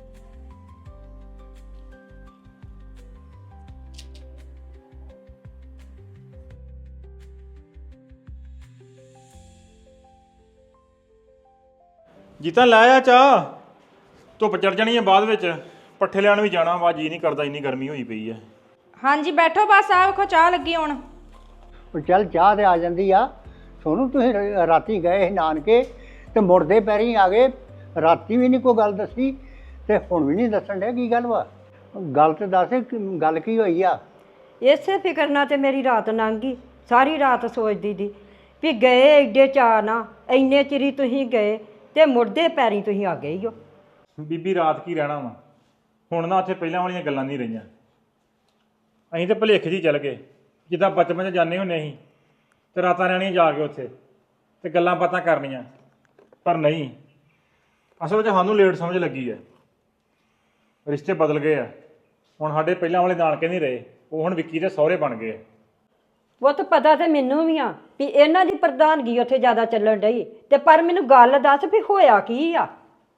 Speaker 2: ਜੀਤਾ ਲੈ ਆ ਚਾਹ, ਧੁੱਪ ਚੜ ਜਾਣੀ ਹੈ ਬਾਅਦ ਵਿੱਚ। ਪੱਠੇ ਲੈਣ ਵੀ ਜਾਣਾ ਵਾ, ਜੀ ਨਹੀਂ ਕਰਦਾ, ਇੰਨੀ ਗਰਮੀ ਹੋਈ ਪਈ ਹੈ।
Speaker 3: ਹਾਂਜੀ ਬੈਠੋ, ਬਸ ਆ ਵੇਖੋ ਚਾਹ ਲੱਗੀ ਹੁਣ।
Speaker 5: ਉਹ ਚੱਲ ਚਾਹ ਤੇ ਆ ਜਾਂਦੀ ਆ। ਸੋਨੂੰ ਤੁਸੀਂ ਰ- ਰਾਤੀ ਗਏ ਸੀ ਨਾਨਕੇ ਤੇ ਮੁੜਦੇ ਪੈਰੀ ਆ ਗਏ। ਰਾਤੀ ਵੀ ਨਹੀਂ ਕੋਈ ਗੱਲ ਦੱਸੀ ਤੇ ਹੁਣ ਵੀ ਨਹੀਂ ਦੱਸਣ ਡਿਆ, ਕੀ ਗੱਲ ਵਾ? ਗੱਲ ਤੇ ਦੱਸ, ਕਿ- ਗੱਲ ਕੀ ਹੋਈ ਆ?
Speaker 4: ਇਸੇ ਫਿਕਰ ਨਾਲ ਤੇ ਮੇਰੀ ਰਾਤ ਲੰਘ ਗਈ। ਸਾਰੀ ਰਾਤ ਸੋਚਦੀ ਦੀ ਵੀ ਗਏ ਏਡੇ ਚਾਅ ਨਾ, ਇੰਨੇ ਚਿਰੀ ਤੁਸੀਂ ਗਏ ਤੇ ਮੁੜਦੇ ਪੈਰੀ ਤੁਸੀਂ ਆ ਗਏ ਹੀ ਹੋ।
Speaker 2: ਬੀਬੀ ਰਾਤ ਕੀ ਰਹਿਣਾ ਵਾ, ਹੁਣ ਨਾ ਉੱਥੇ ਪਹਿਲਾਂ ਵਾਲੀਆਂ ਗੱਲਾਂ ਨਹੀਂ ਰਹੀਆਂ। ਅਸੀਂ ਤਾਂ ਭੁਲੇਖੇ 'ਚ ਹੀ ਚੱਲ ਗਏ, ਜਿੱਦਾਂ ਬਚਪਨ 'ਚ ਜਾਂਦੇ ਹੁੰਦੇ ਸੀ ਤੇ ਰਾਤਾਂ ਰਹਿਣੀਆਂ ਜਾ ਕੇ ਉੱਥੇ ਤੇ ਗੱਲਾਂ ਬਾਤਾਂ ਕਰਨੀਆਂ। ਪਰ ਨਹੀਂ, ਅਸਲ ਵਿੱਚ ਸਾਨੂੰ ਲੇਟ ਸਮਝ ਲੱਗੀ ਹੈ। ਰਿਸ਼ਤੇ ਬਦਲ ਗਏ ਆ ਹੁਣ। ਸਾਡੇ ਪਹਿਲਾਂ ਵਾਲੇ ਨਾਨਕੇ ਨਹੀਂ ਰਹੇ, ਉਹ ਹੁਣ ਵਿੱਕੀ ਦੇ ਸਹੁਰੇ ਬਣ ਗਏ ਆ।
Speaker 4: ਉਹ ਤਾਂ ਪਤਾ ਤੇ ਮੈਨੂੰ ਵੀ ਆ ਵੀ ਇਹਨਾਂ ਦੀ ਪ੍ਰਧਾਨਗੀ ਉੱਥੇ ਜ਼ਿਆਦਾ ਚੱਲਣ ਡਈ, ਤੇ ਪਰ ਮੈਨੂੰ ਗੱਲ ਦੱਸ ਵੀ ਹੋਇਆ ਕੀ ਆ।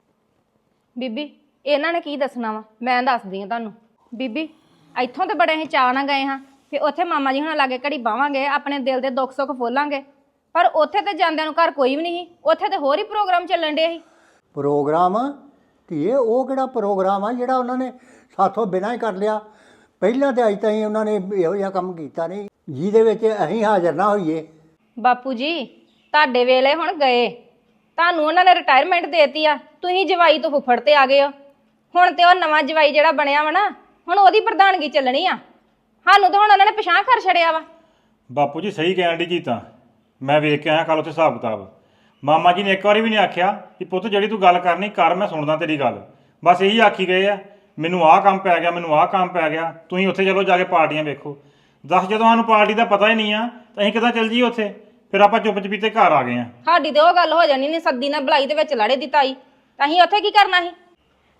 Speaker 3: ਬੀਬੀ ਇਹਨਾਂ ਨੇ ਕੀ ਦੱਸਣਾ ਵਾ, ਮੈਂ ਦੱਸਦੀ ਹਾਂ ਤੁਹਾਨੂੰ। ਬੀਬੀ ਇੱਥੋਂ ਤੇ ਬੜੇ ਅਸੀਂ ਚਾਅ ਨਾਲ ਗਏ ਹਾਂ ਕਿ ਉੱਥੇ ਮਾਮਾ ਜੀ ਹੁਣਾਂ ਲਾਗੇ ਘੜੀ ਬਾਵਾਂਗੇ, ਆਪਣੇ ਦਿਲ ਦੇ ਦੁੱਖ ਸੁੱਖ ਫੋਲਾਂਗੇ। ਪਰ ਉੱਥੇ ਤੇ ਜਾਂਦਿਆਂ ਨੂੰ ਘਰ ਕੋਈ ਵੀ ਨਹੀਂ ਸੀ, ਉੱਥੇ ਤੇ ਹੋਰ ਹੀ ਪ੍ਰੋਗਰਾਮ ਚੱਲਣ ਡੇ ਸੀ।
Speaker 5: ਪ੍ਰੋਗਰਾਮ ਧੀਏ, ਉਹ ਕਿਹੜਾ ਪ੍ਰੋਗਰਾਮ ਆ ਜਿਹੜਾ ਉਹਨਾਂ ਨੇ ਸਾਥੋਂ ਬਿਨਾਂ ਹੀ ਕਰ ਲਿਆ? ਪਹਿਲਾਂ ਤੇ ਅੱਜ ਤਾਈਂ ਉਹਨਾਂ ਨੇ ਇਹੋ ਜਿਹਾ ਕੰਮ ਕੀਤਾ ਨਹੀਂ ਜਿਹਦੇ ਵਿੱਚ ਅਸੀਂ ਹਾਜ਼ਰ ਨਾ ਹੋਈਏ।
Speaker 3: ਬਾਪੂ ਜੀ ਤੁਹਾਡੇ ਵੇਲੇ ਹੁਣ ਗਏ, ਤੁਹਾਨੂੰ ਉਹਨਾਂ ਨੇ ਰਿਟਾਇਰਮੈਂਟ ਦੇਤੀ ਆ, ਤੁਸੀਂ ਜਵਾਈ ਤੋਂ ਫੁੱਫੜ ਤੇ ਆ ਗਏ ਹੋ। ਹੁਣ ਤੇ ਉਹ ਨਵਾਂ ਜਵਾਈ ਜਿਹੜਾ ਬਣਿਆ ਵਾ ਨਾ, ਹੁਣ ਉਹਦੀ ਪ੍ਰਧਾਨਗੀ ਚੱਲਣੀ ਆ। ਸਾਨੂੰ ਤਾਂ ਹੁਣ ਉਹਨਾਂ ਨੇ ਪਿਛਾਂਹ ਕਰ ਛੜਿਆ ਵਾ।
Speaker 2: ਬਾਪੂ ਜੀ ਸਹੀ ਕਹਿਣ ਦੀ ਜੀ, ਤਾਂ ਮੈਂ ਵੇਖ ਕੇ ਆਇਆ ਕੱਲ ਉੱਥੇ ਹਿਸਾਬ ਕਿਤਾਬ। ਮਾਮਾ ਜੀ ਨੇ ਇੱਕ ਵਾਰੀ ਵੀ ਨਹੀਂ ਆਖਿਆ ਕਿ ਪੁੱਤ ਜਿਹੜੀ ਤੂੰ ਗੱਲ ਕਰਨੀ ਕਰ, ਮੈਂ ਸੁਣਦਾ ਤੇਰੀ ਗੱਲ। ਬਸ ਇਹੀ ਆਖੀ ਗਏ ਆ, ਮੈਨੂੰ ਆਹ ਕੰਮ ਪੈ ਗਿਆ, ਮੈਨੂੰ ਆਹ ਕੰਮ ਪੈ ਗਿਆ, ਤੁਸੀਂ ਉੱਥੇ ਚਲੋ ਜਾ ਕੇ ਪਾਰਟੀਆਂ ਵੇਖੋ। ਦੱਸ, ਜਦੋਂ ਸਾਨੂੰ ਪਾਰਟੀ ਦਾ ਪਤਾ ਹੀ ਨਹੀਂ ਆ ਤਾਂ ਅਸੀਂ ਕਿੱਦਾਂ ਚੱਲ ਜਾਈਏ ਉੱਥੇ? ਫਿਰ ਆਪਾਂ ਚੁੱਪ ਚਪੀਤੇ ਘਰ ਆ ਗਏ ਆ।
Speaker 3: ਸਾਡੀ ਤੇ ਉਹ ਗੱਲ ਹੋ ਜਾਣੀ ਨਹੀਂ, ਸੱਦੀ ਨਾਲ ਬੁਲਾਈ ਦੇ ਵਿੱਚ ਲੜੇ ਦੀ ਤਾਈ, ਤਾਂ ਅਸੀਂ ਉੱਥੇ ਕੀ ਕਰਨਾ ਸੀ?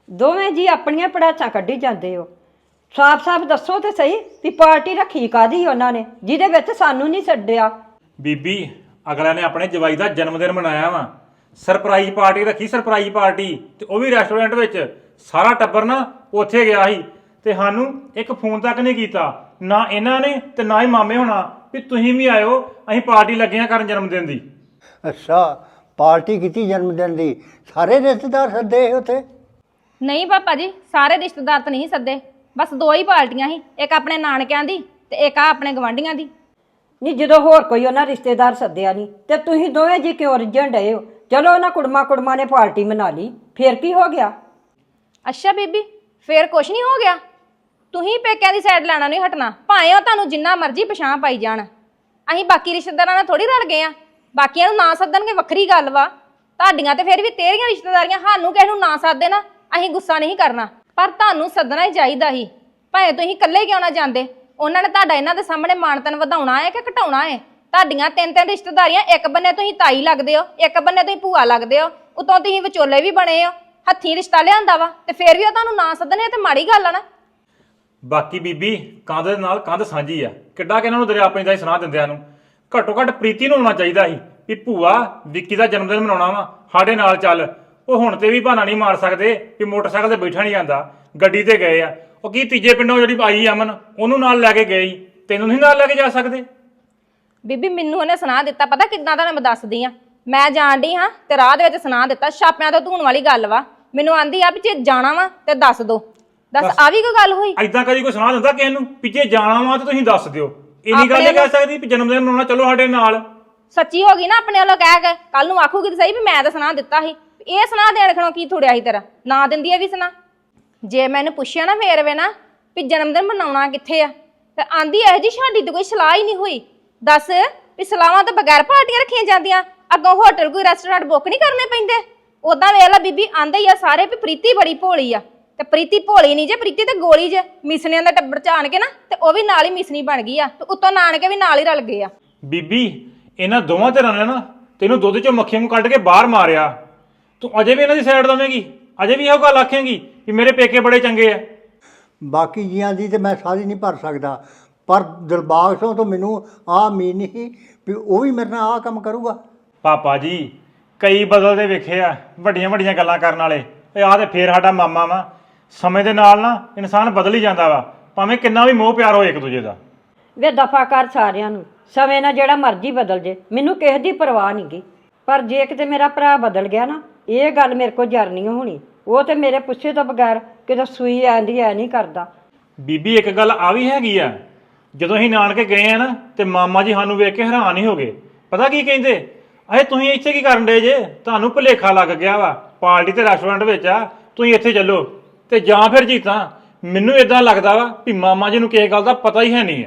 Speaker 4: ਦੋਵੇਂ ਜੀ ਆਪਣੀਆਂ ਪੜਾਚਾਂ ਕੱਢੀ ਜਾਂਦੇ ਹੋ। ਸਾਫ਼-ਸਾਫ਼ ਦੱਸੋ ਤੇ ਸਹੀ ਵੀ ਪਾਰਟੀ ਰੱਖੀ ਕਾਦੀ ਉਹਨਾਂ ਨੇ ਜਿਹਦੇ ਵਿੱਚ ਸਾਨੂੰ ਨਹੀਂ ਛੱਡਿਆ।
Speaker 2: ਬੀਬੀ ਅਗਲਿਆਂ ਨੇ ਆਪਣੇ ਜਵਾਈ ਦਾ ਜਨਮ ਦਿਨ ਮਨਾਇਆ ਵਾ, ਸਰਪ੍ਰਾਈਜ਼ ਪਾਰਟੀ ਰੱਖੀ, ਸਰਪ੍ਰਾਈਜ਼ ਪਾਰਟੀ, ਤੇ ਉਹ ਵੀ ਰੈਸਟੋਰੈਂਟ ਵਿੱਚ। ਸਾਰਾ ਟੱਬਰ ਨਾ ਉੱਥੇ ਗਿਆ ਸੀ ਤੇ ਸਾਨੂੰ ਇੱਕ ਫੋਨ ਤੱਕ ਨਹੀਂ ਕੀਤਾ, ਨਾ ਇਹਨਾਂ ਨੇ ਤੇ ਨਾ ਹੀ ਮਾਮੇ ਹੋਣਾ ਵੀ ਤੁਸੀਂ ਵੀ ਆਇਓ, ਅਸੀਂ ਪਾਰਟੀ ਲੱਗੇ ਆ ਕਰਨ ਜਨਮ ਦਿਨ ਦੀ।
Speaker 5: ਅੱਛਾ, ਪਾਰਟੀ ਕੀਤੀ ਜਨਮ ਦਿਨ ਦੀ, ਸਾਰੇ ਰਿਸ਼ਤੇਦਾਰ ਸੱਦੇ ਸੀ ਉੱਥੇ?
Speaker 3: ਨਹੀਂ ਪਾਪਾ ਜੀ, ਸਾਰੇ ਰਿਸ਼ਤੇਦਾਰ ਤਾਂ ਨਹੀਂ ਸੱਦੇ, ਬਸ ਦੋ ਹੀ ਪਾਰਟੀਆਂ ਸੀ, ਇੱਕ ਆਪਣੇ ਨਾਨਕਿਆਂ ਦੀ ਤੇ ਇੱਕ ਆ ਆਪਣੇ ਗਵਾਂਢੀਆਂ ਦੀ।
Speaker 4: ਨਹੀਂ ਜਦੋਂ ਹੋਰ ਕੋਈ ਉਹਨਾਂ ਰਿਸ਼ਤੇਦਾਰ ਸੱਦਿਆ ਨਹੀਂ ਤੇ ਤੁਸੀਂ ਦੋਵੇਂ ਜੀ ਕਿਉਂ ਰਿੱਝਣ ਡਏ ਹੋ? ਚਲੋ ਉਹਨਾਂ ਕੁੜਮਾ ਕੁੜਮਾ ਨੇ ਪਾਰਟੀ ਮਨਾ ਲਈ, ਫੇਰ ਕੀ ਹੋ ਗਿਆ?
Speaker 3: ਅੱਛਾ ਬੀਬੀ, ਫੇਰ ਕੁਛ ਨਹੀਂ ਹੋ ਗਿਆ। ਤੁਸੀਂ ਪੇਕਿਆਂ ਦੀ ਸਾਈਡ ਲੈਣਾ ਨਹੀਂ ਹਟਣਾ, ਭਾਵੇਂ ਉਹ ਤੁਹਾਨੂੰ ਜਿੰਨਾ ਮਰਜ਼ੀ ਪਛਾਣ ਪਾਈ ਜਾਣ। ਅਸੀਂ ਬਾਕੀ ਰਿਸ਼ਤੇਦਾਰਾਂ ਨਾਲ ਥੋੜੀ ਰਲ ਗਏ ਆ, ਬਾਕੀਆਂ ਨੂੰ ਨਾ ਸੱਦਣਗੇ ਵੱਖਰੀ ਗੱਲ ਵਾ, ਤੁਹਾਡੀਆਂ ਤੇ ਫਿਰ ਵੀ ਤੇਰੀਆਂ ਰਿਸ਼ਤੇਦਾਰੀਆਂ, ਸਾਨੂੰ ਕਿਸੇ ਨੂੰ ਨਾ ਸੱਦਦੇ ਨਾ ਅਸੀਂ ਗੁੱਸਾ ਨਹੀਂ ਕਰਨਾ, ਪਰ ਤੁਹਾਨੂੰ ਸੱਦਣਾ ਹੀ ਚਾਹੀਦਾ ਸੀ, ਭਾਵੇਂ ਤੁਸੀਂ ਇਕੱਲੇ ਕਿਉਂ ਨਾ ਜਾਂਦੇ। ਉਹਨਾਂ ਨੇ ਤੁਹਾਡਾ ਇਹਨਾਂ ਦੇ ਸਾਹਮਣੇ ਮਾਣਤਨ ਵਧਾਉਣਾ ਹੈ ਕਿ ਘਟਾਉਣਾ ਹੈ? ਤੁਹਾਡੀਆਂ ਤਿੰਨ ਤਿੰਨ ਰਿਸ਼ਤੇਦਾਰੀਆਂ, ਇੱਕ ਬੰਨੇ ਤੁਸੀਂ ਤਾਈ ਲੱਗਦੇ ਹੋ, ਇੱਕ ਬੰਨੇ ਤੁਸੀਂ ਭੂਆ ਲੱਗਦੇ ਹੋ, ਉਤੋਂ ਤੁਸੀਂ ਵਿਚੋਲੇ ਵੀ ਬਣੇ ਹੋ, ਹੱਥੀਂ ਰਿਸ਼ਤਾ ਲਿਆਂਦਾ ਵਾ, ਤੇ ਫਿਰ ਵੀ ਉਹ ਤੁਹਾਨੂੰ ਨਾ ਸੱਦਣੇ ਤੇ ਮਾੜੀ ਗੱਲ ਆ ਨਾ।
Speaker 2: ਬਾਕੀ ਬੀਬੀ ਕੰਧ ਦੇ ਨਾਲ ਕੰਧ ਸਾਂਝੀ ਆ, ਕਿੱਡਾ ਕਿ ਇਹਨਾਂ ਨੂੰ ਦਰਿਆ ਪੈਂਦਾ ਹੀ ਸੁਣਾ ਦਿੰਦਿਆਂ ਨੂੰ। ਘੱਟੋ ਘੱਟ ਪ੍ਰੀਤੀ ਨੂੰ ਹੋਣਾ ਚਾਹੀਦਾ ਸੀ ਵੀ ਭੂਆ ਵਿੱਕੀ ਦਾ ਜਨਮ ਦਿਨ ਮਨਾਉਣਾ ਵਾ, ਸਾਡੇ ਨਾਲ ਚੱਲ। ਉਹ ਹੁਣ ਤੇ ਵੀ ਬਹਾਨਾ ਨਹੀਂ ਮਾਰ ਸਕਦੇ ਵੀ ਮੋਟਰਸਾਈਕਲ ਤੇ ਬੈਠਾ ਨਹੀਂ ਜਾਂਦਾ, ਗੱਡੀ ਤੇ ਗਏ ਆ। ਉਹ ਕੀ ਤੀਜੇ ਪਿੰਡੋਂ ਜਿਹੜੀ ਆਈ ਅਮਨ, ਉਹਨੂੰ ਨਾਲ ਲੈ ਕੇ ਗਏ, ਤੈਨੂੰ ਨਹੀਂ ਨਾਲ ਲੈ ਕੇ ਜਾ ਸਕਦੇ?
Speaker 3: ਬੀਬੀ ਮੈਨੂੰ ਉਹਨੇ ਸੁਣਾ ਦਿੱਤਾ, ਪਤਾ ਕਿੱਦਾਂ ਦਾ, ਮੈਂ ਦੱਸਦੀ ਆ। ਮੈਂ ਜਾਣ ਡਈ ਹਾਂ ਤੇ ਰਾਹ ਦੇ ਵਿੱਚ ਸੁਣਾ ਦਿੱਤਾ, ਛਾਪਿਆਂ ਤੋਂ ਧੂਣ ਵਾਲੀ ਗੱਲ ਵਾ। ਮੈਨੂੰ ਆਂਦੀ ਆ ਵੀ ਜੇ ਜਾਣਾ ਵਾ ਤੇ ਦੱਸ ਦੋ। ਦੱਸ ਆ ਵੀ ਕੋਈ ਗੱਲ ਹੋਈ?
Speaker 2: ਐਦਾਂ ਕਦੀ ਕੋਈ ਸੁਣਾ ਦਿੰਦਾ ਕਿਸੇ ਨੂੰ ਵੀ ਜੇ ਜਾਣਾ ਵਾ ਤੇ ਤੁਸੀਂ ਦੱਸ ਦਿਓ? ਇੰਨੀ ਗੱਲ ਨਹੀਂ ਕਹਿ ਸਕਦੀ ਵੀ ਜਨਮ ਦਿਨ ਮਨਾਉਣਾ, ਚਲੋ ਸਾਡੇ ਨਾਲ।
Speaker 3: ਸੱਚੀ ਹੋ ਗਈ ਨਾ ਆਪਣੇ ਵੱਲੋਂ ਕਹਿ ਕੇ, ਕੱਲ ਨੂੰ ਆਖੂਗੀ ਤੇ ਸਹੀ ਵੀ ਮੈਂ ਤਾਂ ਸੁਣਾ ਦਿੱਤਾ ਸੀ। ਇਹ ਸੁਣਾ ਦੇਣ ਖਣੋ ਕੀ ਥੋੜਿਆ ਸੀ ਤੇਰਾ, ਨਾ ਦਿੰਦੀ ਇਹ ਵੀ ਸੁਣਾ। ਜੇ ਮੈਨੂੰ ਪੁੱਛਿਆ ਨਾ ਫੇਰ ਵੇ ਨਾ ਵੀ ਜਨਮ ਦਿਨ ਮਨਾਉਣਾ ਕਿੱਥੇ ਆ, ਤੇ ਆਂਦੀ ਇਹੋ ਜੀ ਸਾਡੀ ਤੇ ਕੋਈ ਸਲਾਹ ਹੀ ਨਹੀਂ ਹੋਈ। ਦੱਸ ਵੀ ਸਲਾਹਾਂ ਤੋਂ ਬਗੈਰ ਪਾਰਟੀਆਂ ਰੱਖੀਆਂ ਜਾਂਦੀਆਂ? ਅੱਗੋਂ ਹੋਟਲ ਕੋਈ ਰੈਸਟੋਰੈਂਟ ਬੁੱਕ ਨਹੀਂ ਕਰਨੇ ਪੈਂਦੇ? ਉਦਾਂ ਵੇਖ ਲਾ ਬੀਬੀ, ਆਂਦੇ ਹੀ ਆ ਸਾਰੇ ਵੀ ਪ੍ਰੀਤੀ ਬੜੀ ਭੋਲੀ ਆ, ਤੇ ਪ੍ਰੀਤੀ ਭੋਲੀ ਨਹੀਂ ਜੇ, ਪ੍ਰੀਤੀ ਤੇ ਗੋਲੀ ਜੇ। ਮਿਸਨੀਆਂ ਦਾ ਟੱਬਰ ਚ ਆਣ ਕੇ ਨਾ ਤੇ ਉਹ ਵੀ ਨਾਲ ਹੀ ਮਿਸਨੀ ਬਣ ਗਈ ਆ, ਤੇ ਉੱਤੋਂ ਨਾਨਕੇ ਵੀ ਨਾਲ ਹੀ ਰਲ ਗਏ ਆ।
Speaker 2: ਬੀਬੀ ਇਹਨਾਂ ਦੋਵਾਂ ਧਿਰਾਂ ਨੇ ਨਾ ਤੈਨੂੰ ਦੁੱਧ ਚੋਂ ਮੱਖੀਆਂ ਨੂੰ ਕੱਢ ਕੇ ਬਾਹਰ ਮਾਰਿਆ, ਤੂੰ ਅਜੇ ਵੀ ਇਹਨਾਂ ਦੀ ਸਾਈਡ ਦਵੇਂਗੀ? ਅਜੇ ਵੀ ਇਹੋ ਗੱਲ ਆਖੇਂਗੀ ਕਿ ਮੇਰੇ ਪੇਕੇ ਬੜੇ ਚੰਗੇ ਆ?
Speaker 5: ਬਾਕੀ ਜੀਆਂ ਦੀ ਤੇ ਮੈਂ ਸਾਰੀ ਨਹੀਂ ਭਰ ਸਕਦਾ, ਪਰ ਦਿਲਬਾਗ ਸਿੰਘ ਤੋਂ ਮੈਨੂੰ ਆਹ ਉਮੀਦ ਨਹੀਂ ਸੀ ਵੀ ਉਹ ਵੀ ਮੇਰੇ ਨਾਲ ਆਹ ਕੰਮ ਕਰੂਗਾ।
Speaker 2: ਪਾਪਾ ਜੀ ਕਈ ਬਦਲਦੇ ਵੇਖੇ ਆ, ਵੱਡੀਆਂ ਵੱਡੀਆਂ ਗੱਲਾਂ ਕਰਨ ਵਾਲੇ। ਆਹ ਤੇ ਫੇਰ ਸਾਡਾ ਮਾਮਾ ਵਾ। ਸਮੇਂ ਦੇ ਨਾਲ ਨਾ ਇਨਸਾਨ ਬਦਲ ਹੀ ਜਾਂਦਾ ਵਾ, ਭਾਵੇਂ ਕਿੰਨਾ ਵੀ ਮੋਹ ਪਿਆਰ ਹੋਏ ਇੱਕ ਦੂਜੇ ਦਾ।
Speaker 4: ਵੇ ਦਫਾ ਕਰ ਸਾਰਿਆਂ ਨੂੰ, ਸਮੇਂ ਨਾਲ ਜਿਹੜਾ ਮਰਜ਼ੀ ਬਦਲ ਜੇ, ਮੈਨੂੰ ਕਿਸੇ ਦੀ ਪਰਵਾਹ ਨਹੀਂ ਗੀ, ਪਰ ਜੇ ਕਿਤੇ ਮੇਰਾ ਭਰਾ ਬਦਲ ਗਿਆ ਨਾ, ਇਹ ਗੱਲ ਮੇਰੇ ਕੋਲ ਜਰ ਨਹੀਂ ਹੋਣੀ। ਉਹ ਤੇ ਮੇਰੇ ਪੁੱਛੇ ਤੋਂ ਬਗੈਰ ਕਿਤੇ ਸੂਈ ਆਂਦੀ ਐ ਨਹੀਂ ਕਰਦਾ।
Speaker 2: ਬੀਬੀ ਇੱਕ ਗੱਲ ਆ ਵੀ ਹੈਗੀ ਆ, ਜਦੋਂ ਅਸੀਂ ਨਾਨਕੇ ਗਏ ਆ ਨਾ ਤੇ ਮਾਮਾ ਜੀ ਸਾਨੂੰ ਵੇਖ ਕੇ ਹੈਰਾਨ ਹੀ ਹੋ ਗਏ। ਪਤਾ ਕੀ ਕਹਿੰਦੇ, ਅਹੇ ਤੁਸੀਂ ਇੱਥੇ ਕੀ ਕਰਨ ਡੇ ਜੇ? ਤੁਹਾਨੂੰ ਭੁਲੇਖਾ ਲੱਗ ਗਿਆ ਵਾ, ਪਾਰਟੀ ਤੇ ਰੈਸਟੋਰੈਂਟ ਵਿੱਚ ਆ, ਤੁਸੀਂ ਇੱਥੇ ਚੱਲੋ। ਤੇ ਜਾਂ ਫਿਰ ਜੀ ਤਾਂ ਮੈਨੂੰ ਇਦਾਂ ਲੱਗਦਾ ਵਾ ਵੀ ਮਾਮਾ ਜੀ ਨੂੰ ਕਿਸੇ ਗੱਲ ਦਾ ਪਤਾ ਹੀ ਹੈ ਨਹੀਂ ਹੈ।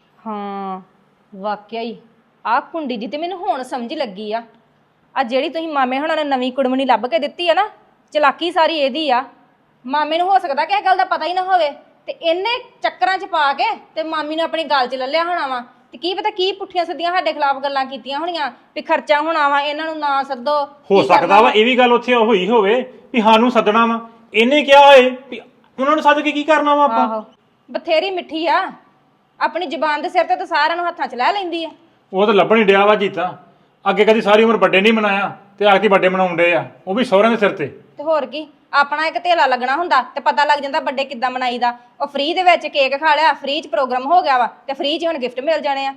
Speaker 3: ਹਾਂ ਵਾਕਿਆ ਹੀ ਆਹ ਕੁੰਡੀ ਜੀ ਤੇ ਮੈਨੂੰ ਹੁਣ ਸਮਝ ਲੱਗੀ ਆ। ਆ ਜਿਹੜੀ ਤੁਸੀਂ ਮਾਮੇ ਹੁਣਾਂ ਨੇ ਨਵੀਂ ਕੁੜਮਣੀ ਲੱਭ ਕੇ ਦਿੱਤੀ ਆ ਨਾ, ਚਲਾਕੀ ਸਾਰੀ ਇਹਦੀ ਆ। ਮਾਮੇ ਨੂੰ ਹੋ ਸਕਦਾ ਕਿਸੇ ਗੱਲ ਦਾ ਪਤਾ ਹੀ ਨਾ ਹੋਵੇ, ਤੇ ਇਹਨੇ ਚੱਕਰਾਂ 'ਚ ਪਾ ਕੇ ਤੇ ਮਾਮੀ ਨੂੰ ਆਪਣੀ ਗੱਲ 'ਚ ਲੱਲਿਆ ਹੋਣਾ ਵਾ। ਤੇ ਕੀ ਪਤਾ ਕੀ ਪੁੱਠੀਆਂ ਸਿੱਧੀਆਂ ਸਾਡੇ ਖਿਲਾਫ ਗੱਲਾਂ ਕੀਤੀਆਂ ਹੋਣੀਆਂ ਵੀ ਖਰਚਾ ਹੋਣਾ ਵਾ, ਇਹਨਾਂ ਨੂੰ ਨਾ ਸੱਦੋ।
Speaker 2: ਹੋ ਸਕਦਾ ਵਾ ਇਹ ਵੀ ਗੱਲ ਉੱਥੇ ਹੋਈ ਹੋਵੇ ਵੀ ਸਾਨੂੰ ਸੱਦਣਾ ਵਾ, ਇਹਨੇ ਕਿਹਾ ਹੋਏ ਵੀ ਉਹਨਾਂ ਨੂੰ ਸੱਦ ਕੇ ਕੀ ਕਰਨਾ ਵਾ ਆਪਾਂ।
Speaker 3: ਆਹੋ ਬਥੇਰੀ ਮਿੱਠੀ ਆ, ਆਪਣੀ ਜ਼ੁਬਾਨ ਦੇ ਸਿਰ ਤੇ ਤਾਂ ਸਾਰਿਆਂ ਨੂੰ ਹੱਥਾਂ 'ਚ ਲੈ ਲੈਂਦੀ ਆ।
Speaker 2: ਉਹ ਤਾਂ ਲੱਭਣ ਹੀ ਡਿਆ ਵਾ ਜੀਤਾ, ਅੱਗੇ ਕਦੀ ਸਾਰੀ ਉਮਰ ਵੱਡੇ ਨਹੀਂ ਬਣਾਇਆ ਤੇ ਆਖਦੀ ਵੱਡੇ ਬਣਾਉਣ ਡੇ ਆ, ਉਹ ਵੀ ਸਹੁਰਿਆਂ ਦੇ ਸਿਰ ਤੇ।
Speaker 3: ਤੇ ਹੋਰ ਕੀ, ਆਪਣਾ ਇੱਕ ਧੇਲਾ ਲੱਗਣਾ ਹੁੰਦਾ ਤੇ ਪਤਾ ਲੱਗ ਜਾਂਦਾ ਵੱਡੇ ਕਿੱਦਾਂ ਮਨਾਈਦਾ। ਉਹ ਫ੍ਰੀ ਦੇ ਵਿੱਚ ਕੇਕ ਖਾ ਲਿਆ, ਫ੍ਰੀ 'ਚ ਪ੍ਰੋਗਰਾਮ ਹੋ ਗਿਆ ਵਾ, ਤੇ ਫ੍ਰੀ 'ਚ ਹੁਣ ਗਿਫਟ ਮਿਲ ਜਾਣੇ ਆ।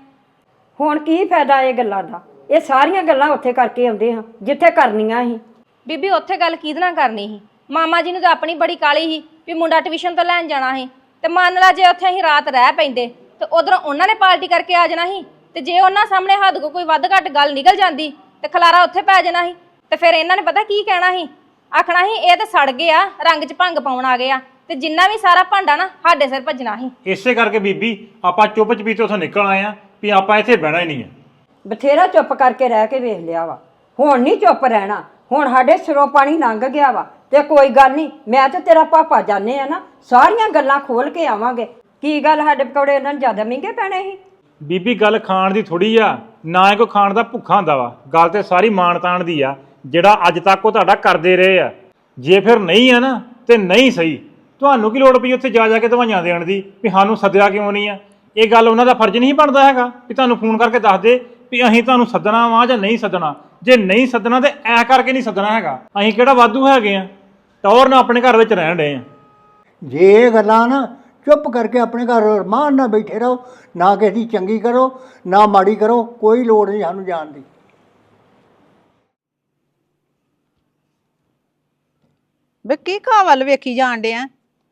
Speaker 4: ਹੁਣ ਕੀ ਫਾਇਦਾ ਇਹ ਗੱਲਾਂ ਦਾ? ਇਹ ਸਾਰੀਆਂ ਗੱਲਾਂ ਉੱਥੇ ਕਰਕੇ ਆਉਂਦੇ ਹਾਂ ਜਿੱਥੇ ਕਰਨੀਆਂ ਸੀ।
Speaker 3: ਬੀਬੀ ਉੱਥੇ ਗੱਲ ਕਿਹਦੇ ਨਾਲ ਕਰਨੀ ਸੀ? ਮਾਮਾ ਜੀ ਨੂੰ ਤਾਂ ਆਪਣੀ ਬੜੀ ਕਾਲੀ ਸੀ ਵੀ ਮੁੰਡਾ ਟਿਊਸ਼ਨ ਤੋਂ ਲੈਣ ਜਾਣਾ ਸੀ, ਤੇ ਮੰਨ ਲਾ ਜੇ ਉੱਥੇ ਅਸੀਂ ਰਾਤ ਰਹਿ ਪੈਂਦੇ ਤੇ ਉਧਰੋਂ ਉਹਨਾਂ ਨੇ ਪਾਰਟੀ ਕਰਕੇ ਆ ਜਾਣਾ ਸੀ, ਤੇ ਜੇ ਉਹਨਾਂ ਸਾਹਮਣੇ ਹੱਦ ਕੋ ਕੋਈ ਵੱਧ ਘੱਟ ਗੱਲ ਨਿਕਲ ਜਾਂਦੀ ਤੇ ਖਲਾਰਾ ਉੱਥੇ ਪੈ ਜਾਣਾ ਸੀ। ਤੇ ਫਿਰ ਇਹਨਾਂ ਨੇ ਪਤਾ ਕੀ ਕਹਿਣਾ ਸੀ? ਆਖਣਾ ਸੀ ਇਹ ਤਾਂ ਸੜ ਗਏ ਆ, ਰੰਗ 'ਚ ਭੰਗ ਪਾਉਣ ਆ ਗਏ ਆ, ਤੇ ਜਿੰਨਾ ਵੀ ਸਾਰਾ ਭਾਂਡਾ ਨਾ ਸਾਡੇ ਸਿਰ ਭੱਜਣਾ ਸੀ।
Speaker 2: ਇਸੇ ਕਰਕੇ ਬੀਬੀ ਆਪਾਂ ਚੁੱਪ ਚਪੀਤੇ ਉੱਥੋਂ ਨਿਕਲ ਆਏ ਆ ਵੀ ਆਪਾਂ ਇੱਥੇ ਬਹਿਣਾ ਹੀ ਨਹੀਂ ਹੈ।
Speaker 4: ਬਥੇਰਾ ਚੁੱਪ ਕਰਕੇ ਰਹਿ ਕੇ ਵੇਖ ਲਿਆ ਵਾ, ਹੁਣ ਨਹੀਂ ਚੁੱਪ ਰਹਿਣਾ। ਹੁਣ ਸਾਡੇ ਸਿਰੋਂ ਪਾਣੀ ਲੰਘ ਗਿਆ ਵਾ, ਤੇ ਕੋਈ ਗੱਲ ਨਹੀਂ, ਮੈਂ ਤੇ ਤੇਰਾ ਪਾਪਾ ਜਾਣੇ ਆ ਨਾ, ਸਾਰੀਆਂ ਗੱਲਾਂ ਖੋਲ ਕੇ ਆਵਾਂਗੇ। ਕੀ ਗੱਲ ਸਾਡੇ ਪਕੌੜੇ ਇਹਨਾਂ ਨੂੰ ਜ਼ਿਆਦਾ ਮਹਿੰਗੇ ਪੈਣੇ ਸੀ?
Speaker 2: ਬੀਬੀ ਗੱਲ ਖਾਣ ਦੀ ਥੋੜੀ ਆ, ਨਾ ਕੋਈ ਖਾਣ ਦਾ ਭੁੱਖਾ ਹੁੰਦਾ ਵਾ, ਗੱਲ ਤੇ ਸਾਰੀ ਮਾਣ ਤਾਣ ਦੀ ਆ, ਜਿਹੜਾ ਅੱਜ ਤੱਕ ਉਹ ਤੁਹਾਡਾ ਕਰਦੇ ਰਹੇ ਆ। ਜੇ ਫਿਰ ਨਹੀਂ ਆ ਨਾ ਤੇ ਨਹੀਂ ਸਹੀ। ਤੁਹਾਨੂੰ ਕੀ ਲੋੜ ਪਈ ਉੱਥੇ ਜਾ ਜਾ ਕੇ ਦਵਾਈਆਂ ਦੇਣ ਦੀ ਵੀ ਸਾਨੂੰ ਸੱਦਿਆ ਕਿਉਂ ਨਹੀਂ ਆ? ਇਹ ਗੱਲ ਉਹਨਾਂ ਦਾ ਫਰਜ਼ ਨਹੀਂ ਬਣਦਾ ਹੈਗਾ ਵੀ ਤੁਹਾਨੂੰ ਫੋਨ ਕਰਕੇ ਦੱਸ ਦੇ ਵੀ ਅਸੀਂ ਤੁਹਾਨੂੰ ਸੱਦਣਾ ਵਾ ਜਾਂ ਨਹੀਂ ਸੱਦਣਾ। ਜੇ ਨਹੀਂ ਸੱਦਣਾ ਤੇ ਐ ਕਰਕੇ ਨਹੀਂ ਸੱਦਣਾ ਹੈਗਾ। ਅਸੀਂ ਕਿਹੜਾ ਵਾਧੂ ਹੈਗੇ ਆ, ਟੌਰ ਨਾਲ ਆਪਣੇ ਘਰ ਵਿੱਚ ਰਹਿਣ ਡਏ ਆ।
Speaker 5: ਜੇ ਇਹ ਗੱਲਾਂ ਨਾ ਚੁੱਪ ਕਰਕੇ ਆਪਣੇ ਘਰ ਰਮਾਨ ਨਾਲ ਬੈਠੇ ਰਹੋ, ਨਾ ਕਿਸੇ ਦੀ ਚੰਗੀ ਕਰੋ ਨਾ ਮਾੜੀ ਕਰੋ, ਕੋਈ ਲੋੜ ਨਹੀਂ ਸਾਨੂੰ ਜਾਣ ਦੀ।
Speaker 8: ਵੇ ਕੀ ਘਾਹ ਵੱਲ ਵੇਖੀ ਜਾਣ ਡਿਆ?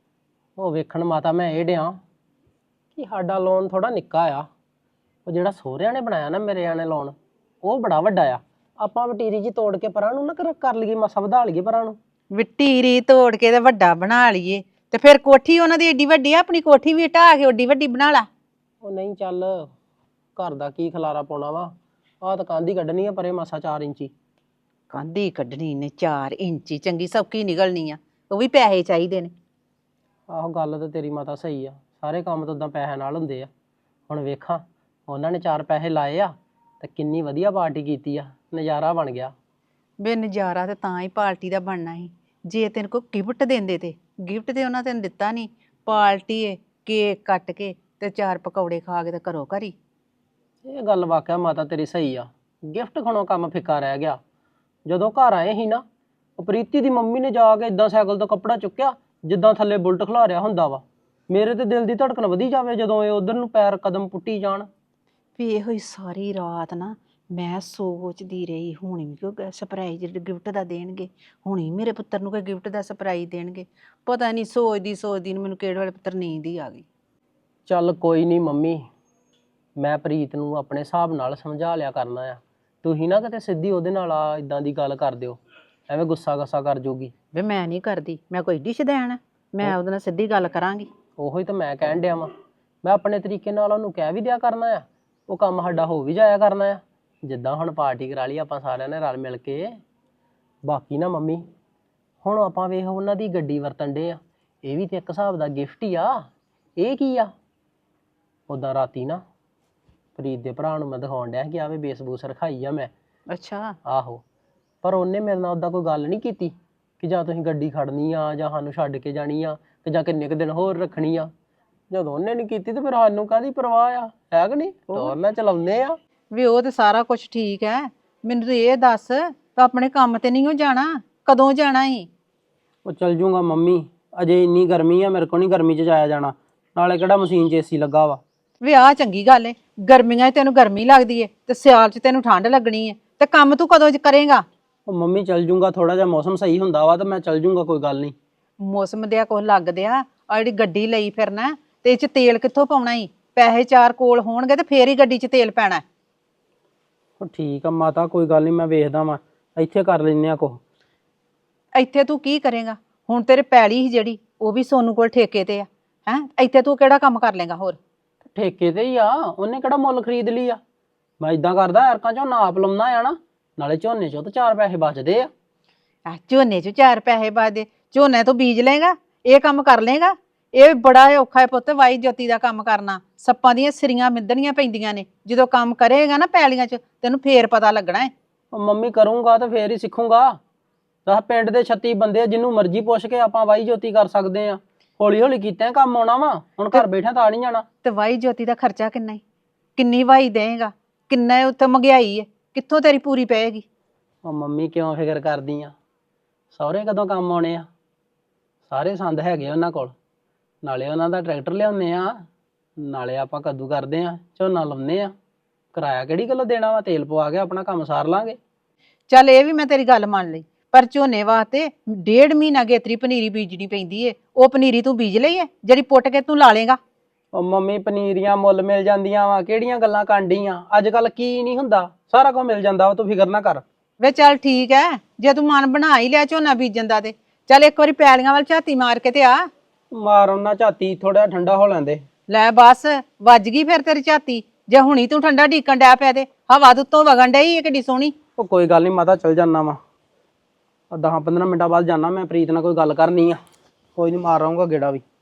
Speaker 9: ਉਹ ਵੇਖਣ ਮਾਤਾ ਮੈਂ ਇਹ ਡਿਆਂ ਕਿ ਸਾਡਾ ਲੋਨ ਥੋੜਾ ਨਿੱਕਾ ਆ। ਉਹ ਜਿਹੜਾ ਸਹੁਰਿਆਂ ਨੇ ਬਣਾਇਆ ਨਾ ਮੇਰੇ ਆਣੇ ਲੋਨ, ਉਹ ਬੜਾ ਵੱਡਾ ਆ। ਆਪਾਂ ਵਟੀਰੀ ਜੀ ਤੋੜ ਕੇ ਪਰਾਂ ਨੂੰ ਨਾ ਕਰ ਕਰ ਲਈਏ, ਮਸਾ ਵਧਾ ਲਈਏ ਪਰਾਂ ਨੂੰ।
Speaker 8: ਵਟੀਰੀ ਤੋੜ ਕੇ ਤੇ ਵੱਡਾ ਬਣਾ ਲਈਏ ਤੇ ਫਿਰ ਕੋਠੀ ਉਹਨਾਂ ਦੀ ਏਡੀ ਵੱਡੀ ਆ, ਆਪਣੀ ਕੋਠੀ ਵੀ ਢਾਹ ਕੇ ਓਡੀ ਵੱਡੀ ਬਣਾ ਲਾ।
Speaker 9: ਉਹ ਨਹੀਂ ਚੱਲ, ਘਰ ਦਾ ਕੀ ਖਲਾਰਾ ਪਾਉਣਾ ਵਾ। ਆਹ ਤਾਂ ਕੰਧ ਹੀ ਕੱਢਣੀ ਆ ਪਰੇ ਮਸਾ ਚਾਰ ਇੰਚੀ।
Speaker 8: ਕੰਧੀ ਕੱਢਣੀ ਨੇ ਚਾਰ ਇੰਚੀ, ਚੰਗੀ ਸੌਕੀ ਨਿਕਲਣੀ ਆ, ਉਹ ਵੀ ਪੈਸੇ ਚਾਹੀਦੇ ਨੇ।
Speaker 9: ਆਹੋ ਗੱਲ ਤਾਂ ਤੇਰੀ ਮਾਤਾ ਸਹੀ ਆ, ਸਾਰੇ ਕੰਮ ਤਾਂ ਉਦਾਂ ਪੈਸੇ ਨਾਲ ਹੁੰਦੇ ਆ। ਹੁਣ ਵੇਖਾਂ ਉਹਨਾਂ ਨੇ ਚਾਰ ਪੈਸੇ ਲਾਏ ਆ ਤੇ ਕਿੰਨੀ ਵਧੀਆ ਪਾਰਟੀ ਕੀਤੀ ਆ, ਨਜ਼ਾਰਾ ਬਣ ਗਿਆ।
Speaker 8: ਬੇ ਨਜ਼ਾਰਾ ਤੇ ਤਾਂ ਹੀ ਪਾਰਟੀ ਦਾ ਬਣਨਾ ਸੀ। ਜੇ ਤੈਨੂੰ ਕੋਈ ਗਿਫਟ ਦਿੰਦੇ ਤੇ ਗਿਫਟ ਤੇ ਉਹਨਾਂ ਤੈਨੂੰ ਦਿੱਤਾ ਨਹੀਂ, ਪਾਰਟੀ ਏ ਕੇਕ ਕੱਟ ਕੇ ਤੇ ਚਾਰ ਪਕੌੜੇ ਖਾ ਕੇ ਤੇ ਘਰੋਂ ਘਰੀ।
Speaker 9: ਇਹ ਗੱਲ ਵਾਕਿਆ ਮਾਤਾ ਤੇਰੀ ਸਹੀ ਆ, ਗਿਫਟ ਖਾਣੋਂ ਕੰਮ ਫਿੱਕਾ ਰਹਿ ਗਿਆ। ਜਦੋਂ ਘਰ ਆਏ ਸੀ ਨਾ, ਉਹ ਪ੍ਰੀਤੀ ਦੀ ਮੰਮੀ ਨੇ ਜਾ ਕੇ ਇਦਾਂ ਸਾਈਕਲ ਤੋਂ ਕੱਪੜਾ ਚੁੱਕਿਆ ਜਿੱਦਾਂ ਥੱਲੇ ਬੁਲਟ ਖਿਲਾਰਿਆ ਹੁੰਦਾ ਵਾ। ਮੇਰੇ ਤੇ ਦਿਲ ਦੀ ਧੜਕਣ ਵਧੀ ਜਾਵੇ ਜਦੋਂ ਇਹ ਉਧਰ ਨੂੰ ਪੈਰ ਕਦਮ ਪੁੱਟੀ ਜਾਣ।
Speaker 8: ਵੀ ਇਹੋ ਹੀ ਸਾਰੀ ਰਾਤ ਨਾ ਮੈਂ ਸੋਚਦੀ ਰਹੀ, ਹੁਣ ਵੀ ਕੋਈ ਸਰਪ੍ਰਾਈਜ਼ ਗਿਫਟ ਦਾ ਦੇਣਗੇ, ਹੁਣ ਹੀ ਮੇਰੇ ਪੁੱਤਰ ਨੂੰ ਕੋਈ ਗਿਫਟ ਦਾ ਸਰਪ੍ਰਾਈਜ਼ ਦੇਣਗੇ। ਪਤਾ ਨਹੀਂ ਸੋਚਦੀ ਸੋਚਦੀ ਨੂੰ ਮੈਨੂੰ ਕਿਹੜੇ ਵੇਲੇ ਪੁੱਤਰ ਨੀਂਦ ਹੀ ਆ ਗਈ।
Speaker 9: ਚੱਲ ਕੋਈ ਨਹੀਂ ਮੰਮੀ, ਮੈਂ ਪ੍ਰੀਤ ਨੂੰ ਆਪਣੇ ਹਿਸਾਬ ਨਾਲ ਸਮਝਾ ਲਿਆ ਕਰਨਾ ਆ। ਤੁਸੀਂ ਨਾ ਕਿਤੇ ਸਿੱਧੀ ਉਹਦੇ ਨਾਲ ਆ ਇਦਾਂ ਦੀ ਗੱਲ ਕਰ ਦਿਓ, ਐਵੇਂ ਗੁੱਸਾ ਗੱਸਾ ਕਰ ਜੂਗੀ।
Speaker 8: ਵੇ ਮੈਂ ਨਹੀਂ ਕਰਦੀ, ਮੈਂ ਕੋਈ ਡਿਸ਼ ਦੇਣਾ, ਮੈਂ ਉਹਦੇ ਨਾਲ ਸਿੱਧੀ ਗੱਲ ਕਰਾਂਗੀ।
Speaker 9: ਉਹੀ ਤਾਂ ਮੈਂ ਕਹਿਣ ਡਿਆ ਵਾਂ, ਮੈਂ ਆਪਣੇ ਤਰੀਕੇ ਨਾਲ ਉਹਨੂੰ ਕਹਿ ਵੀ ਦਿਆ ਕਰਨਾ ਆ, ਉਹ ਕੰਮ ਸਾਡਾ ਹੋ ਵੀ ਜਾਇਆ ਕਰਨਾ ਆ। ਜਿੱਦਾਂ ਹੁਣ ਪਾਰਟੀ ਕਰਾ ਲਈ ਆਪਾਂ ਸਾਰਿਆਂ ਨੇ ਰਲ ਮਿਲ ਕੇ। ਬਾਕੀ ਨਾ ਮੰਮੀ, ਹੁਣ ਆਪਾਂ ਵੇਖ ਉਹਨਾਂ ਦੀ ਗੱਡੀ ਵਰਤਣ ਡੇ ਆ, ਇਹ ਵੀ ਤੇ ਇੱਕ ਹਿਸਾਬ ਦਾ ਗਿਫਟ ਹੀ ਆ। ਇਹ ਕੀ ਆ? ਉੱਦਾਂ ਰਾਤੀ ਨਾ ਪ੍ਰੀਤ ਦੇ ਭਰਾ ਨੂੰ ਮੈਂ ਦਿਖਾਉਣ ਡਿਆ ਕਿ ਆਵੇ ਬੇਸਬੂਸ ਰਖਾਈ ਆ ਮੈਂ।
Speaker 8: ਅੱਛਾ।
Speaker 9: ਆਹੋ, ਪਰ ਉਹਨੇ ਮੇਰੇ ਨਾਲ ਉੱਦਾਂ ਕੋਈ ਗੱਲ ਨਹੀਂ ਕੀਤੀ ਕਿ ਜਾਂ ਤੁਸੀਂ ਗੱਡੀ ਖੜਨੀ ਆ ਜਾਂ ਸਾਨੂੰ ਛੱਡ ਕੇ ਜਾਣੀ ਆ ਕਿ ਜਾਂ ਕਿੰਨੇ ਕੁ ਦਿਨ ਹੋਰ ਰੱਖਣੀ ਆ। ਜਦੋਂ ਉਹਨੇ ਨਹੀਂ ਕੀਤੀ ਤੇ ਫਿਰ ਸਾਨੂੰ ਕਾਹਦੀ ਪਰਵਾਹ ਆ, ਹੈ ਕਿ ਨਹੀਂ? ਟੋਰ ਨਾਲ ਚਲਾਉਂਦੇ ਆ। ਵੀ ਉਹ ਤੇ ਸਾਰਾ ਕੁਝ ਠੀਕ ਹੈ, ਮੈਨੂੰ ਤੂੰ ਇਹ ਦੱਸ ਤੂੰ ਆਪਣੇ ਕੰਮ ਤੇ ਨਹੀਂ ਹੋ ਜਾਣਾ, ਕਦੋਂ ਜਾਣਾ ਈ? ਉਹ ਚੱਲ ਜੂਗਾ ਮੰਮੀ, ਅਜੇ ਇੰਨੀ ਗਰਮੀ ਆ, ਮੇਰੇ ਕੋਲ ਨਹੀਂ ਗਰਮੀ 'ਚ ਜਾਇਆ ਜਾਣਾ। ਨਾਲੇ ਕਿਹੜਾ ਮਸ਼ੀਨ 'ਚ ਏਸੀ ਲੱਗਾ ਵਾ। ਵੀ ਆਹ ਚੰਗੀ ਗੱਲ ਏ, ਗਰਮੀਆਂ 'ਚ ਤੈਨੂੰ ਗਰਮੀ ਲੱਗਦੀ ਏ ਤੇ ਸਿਆਲ 'ਚ ਤੈਨੂੰ ਠੰਡ ਲੱਗਣੀ ਏ, ਤੇ ਕੰਮ ਤੂੰ ਕਦੋਂ ਕਰੇਗਾ? ਉਹ ਮੰਮੀ ਚੱਲ ਜੂਗਾ, ਥੋੜਾ ਜਿਹਾ ਮੌਸਮ ਸਹੀ ਹੁੰਦਾ ਵਾ ਤਾਂ ਮੈਂ ਚੱਲ ਜੂਗਾ, ਕੋਈ ਗੱਲ ਨਹੀਂ। ਮੌਸਮ ਦੇ ਕੁਝ ਲੱਗਦੇ ਆ, ਆ ਜਿਹੜੀ ਗੱਡੀ ਲਈ ਫਿਰਨਾ ਤੇ ਇਹ 'ਚ ਤੇਲ ਕਿੱਥੋਂ ਪਾਉਣਾ ਈ? ਪੈਸੇ ਚਾਰ ਕੋਲ ਹੋਣਗੇ ਤੇ ਫੇਰ ਹੀ ਗੱਡੀ 'ਚ ਤੇਲ ਪੈਣਾ। ਉਹ ਠੀਕ ਆ ਮਾਤਾ, ਕੋਈ ਗੱਲ ਨਹੀਂ, ਮੈਂ ਵੇਖਦਾ ਵਾਂ, ਇੱਥੇ ਕਰ ਲੈਨੇ ਆ ਕੁਛ। ਇੱਥੇ ਤੂੰ ਕੀ ਕਰੇਗਾ? ਹੁਣ ਤੇਰੇ ਪੈਲੀ ਸੀ ਜਿਹੜੀ, ਉਹ ਵੀ ਸੋਨੂੰ ਕੋਲ ਠੇਕੇ ਤੇ ਆ, ਹੈ? ਇੱਥੇ ਤੂੰ ਕਿਹੜਾ ਕੰਮ ਕਰ ਲੇਗਾ ਹੋਰ? ਠੇਕੇ ਤੇ ਹੀ ਆ, ਉਹਨੇ ਕਿਹੜਾ ਮੁੱਲ ਖਰੀਦ ਲਈ ਆ। ਮੈਂ ਇਦਾਂ ਕਰਦਾ, ਐਰਕਾਂ ਚੋਂ ਨਾਪ ਲਾਉਣਾ ਆ ਨਾ, ਨਾਲੇ ਝੋਨੇ ਚੋਂ ਤਾਂ ਚਾਰ ਪੈਸੇ ਬਚਦੇ ਆ। ਆ ਝੋਨੇ ਚੋਂ ਚਾਰ ਪੈਸੇ ਬਚਦੇ? ਝੋਨੇ ਤੋਂ ਬੀਜ ਲੇਗਾ, ਇਹ ਕੰਮ ਕਰ ਲੇਗਾ? ਇਹ ਬੜਾ ਔਖਾ ਹੈ ਪੁੱਤ, ਵਾਈ ਜੋਤੀ ਦਾ ਕੰਮ ਕਰਨਾ। ਸੱਪਾਂ ਦੀਆਂ ਸਿਰੀਆਂ ਮਿੱਧਣੀਆਂ ਪੈਂਦੀਆਂ ਨੇ, ਜਦੋਂ ਕੰਮ ਕਰੇਗਾ ਨਾ ਪੈਲੀਆਂ 'ਚ ਤੈਨੂੰ ਫੇਰ ਪਤਾ ਲੱਗਣਾ ਹੈ। ਮੰਮੀ ਕਰੂੰਗਾ ਤਾਂ ਫੇਰ ਹੀ ਸਿੱਖੂੰਗਾ। ਦਸ ਪਿੰਡ ਦੇ ਛੱਤੀ ਬੰਦੇ, ਜਿਹਨੂੰ ਮਰਜ਼ੀ ਪੁੱਛ ਕੇ ਆਪਾਂ ਵਾਈ ਜੋਤੀ ਕਰ ਸਕਦੇ ਆ। ਹੌਲੀ ਹੌਲੀ ਕੀਤਾ ਕੰਮ ਆਉਣਾ ਵਾ, ਹੁਣ ਘਰ ਬੈਠਾ ਤਾਂ ਨਹੀਂ ਜਾਣਾ। ਤੇ ਵਾਈ ਜੋਤੀ ਦਾ ਖਰਚਾ ਕਿੰਨਾ ਈ? ਕਿੰਨੀ ਵਾਈ ਦੇਗਾ? ਕਿੰਨਾ ਉੱਥੇ ਮਹਿੰਗਾਈ ਹੈ, ਕਿੱਥੋਂ ਤੇਰੀ ਪੂਰੀ ਪਏਗੀ? ਉਹ ਮੰਮੀ ਕਿਉਂ ਫਿਕਰ ਕਰਦੀ ਆ? ਸਹੁਰੇ ਕਦੋਂ ਕੰਮ ਆਉਣੇ ਆ? ਸਾਰੇ ਸੰਦ ਹੈਗੇ ਉਹਨਾਂ ਕੋਲ, ਨਾਲੇ ਉਹਨਾਂ ਦਾ ਟਰੈਕਟਰ ਲਿਆਉਂਦੇ ਆ, ਨਾਲੇ ਆਪਾਂ ਕੱਦੂ ਕਰਦੇ ਆ, ਝੋਨਾ ਲਾਉਂਦੇ ਆ। ਕਿਰਾਇਆ ਕਿਹੜੀ ਗੱਲੋਂ ਦੇਣਾ ਵਾ? ਤੇਲ ਪਵਾ ਕੇ ਆਪਣਾ ਕੰਮ ਸਾਰ ਲਾਂਗੇ। ਚੱਲ ਇਹ ਵੀ ਮੈਂ ਤੇਰੀ ਗੱਲ ਮੰਨ ਲਈ, ਪਰ ਝੋਨੇ ਵਾਸਤੇ ਡੇਢ ਮਹੀਨਾ ਗੇਤਰੀ ਪਨੀਰੀ ਬੀਜਣੀ ਪੈਂਦੀ ਏ। ਉਹ ਪਨੀਰੀ ਤੂੰ ਬੀਜ ਲਈ ਏ ਜਿਹੜੀ ਪੁੱਟ ਕੇ ਤੂੰ ਲਾ ਲੇਗਾ? ਉਹ ਮੰਮੀ ਪਨੀਰੀਆਂ ਮੁੱਲ ਮਿਲ ਜਾਂਦੀਆਂ ਵਾ, ਕਿਹੜੀਆਂ ਗੱਲਾਂ ਕਾਂਡੀਆਂ? ਅੱਜ ਕੱਲ ਕੀ ਨਹੀਂ ਹੁੰਦਾ, ਸਾਰਾ ਕੁਝ ਮਿਲ ਜਾਂਦਾ ਵਾ, ਤੂੰ ਫਿਕਰ ਨਾ ਕਰ। ਵੇ ਚੱਲ ਠੀਕ ਹੈ, ਜੇ ਤੂੰ ਮਨ ਬਣਾ ਹੀ ਲਿਆ ਝੋਨਾ ਬੀਜਣ ਦਾ ਤੇ ਚੱਲ ਇੱਕ ਵਾਰੀ ਪੈਲੀਆਂ ਵੱਲ ਝਾਤੀ ਮਾਰ ਕੇ ਤੇ ਆ। ਮਾਰ ਉਹਨਾਂ ਝਾਤੀ, ਥੋੜਾ ਠੰਡਾ ਹੋ ਲੈਂਦੇ। ਲੈ ਬਸ ਵੱਜ ਗਈ ਫਿਰ ਤੇਰੀ ਝਾਤੀ, ਜੇ ਹੁਣੀ ਤੂੰ ਠੰਡਾ ਢੀਕਣ ਡਿਆ ਪਿਆ ਤੇ ਹਵਾ ਦੇ ਉੱਤੋਂ ਵਗਣ ਡਈ ਏ ਕਿੱਡੀ ਸੋਹਣੀ। ਉਹ ਕੋਈ ਗੱਲ ਨਹੀਂ ਮਾਤਾ, ਚੱਲ ਜਾਨਾ ਵਾ, ਦਸ ਪੰਦਰਾਂ ਮਿੰਟਾਂ ਬਾਅਦ ਜਾਣਾ ਮੈਂ, ਪ੍ਰੀਤ ਨਾਲ ਕੋਈ ਗੱਲ ਕਰਨੀ ਆ। ਕੋਈ ਨਹੀਂ, ਮਾਰ ਆਊਂਗਾ ਗੇੜਾ ਵੀ।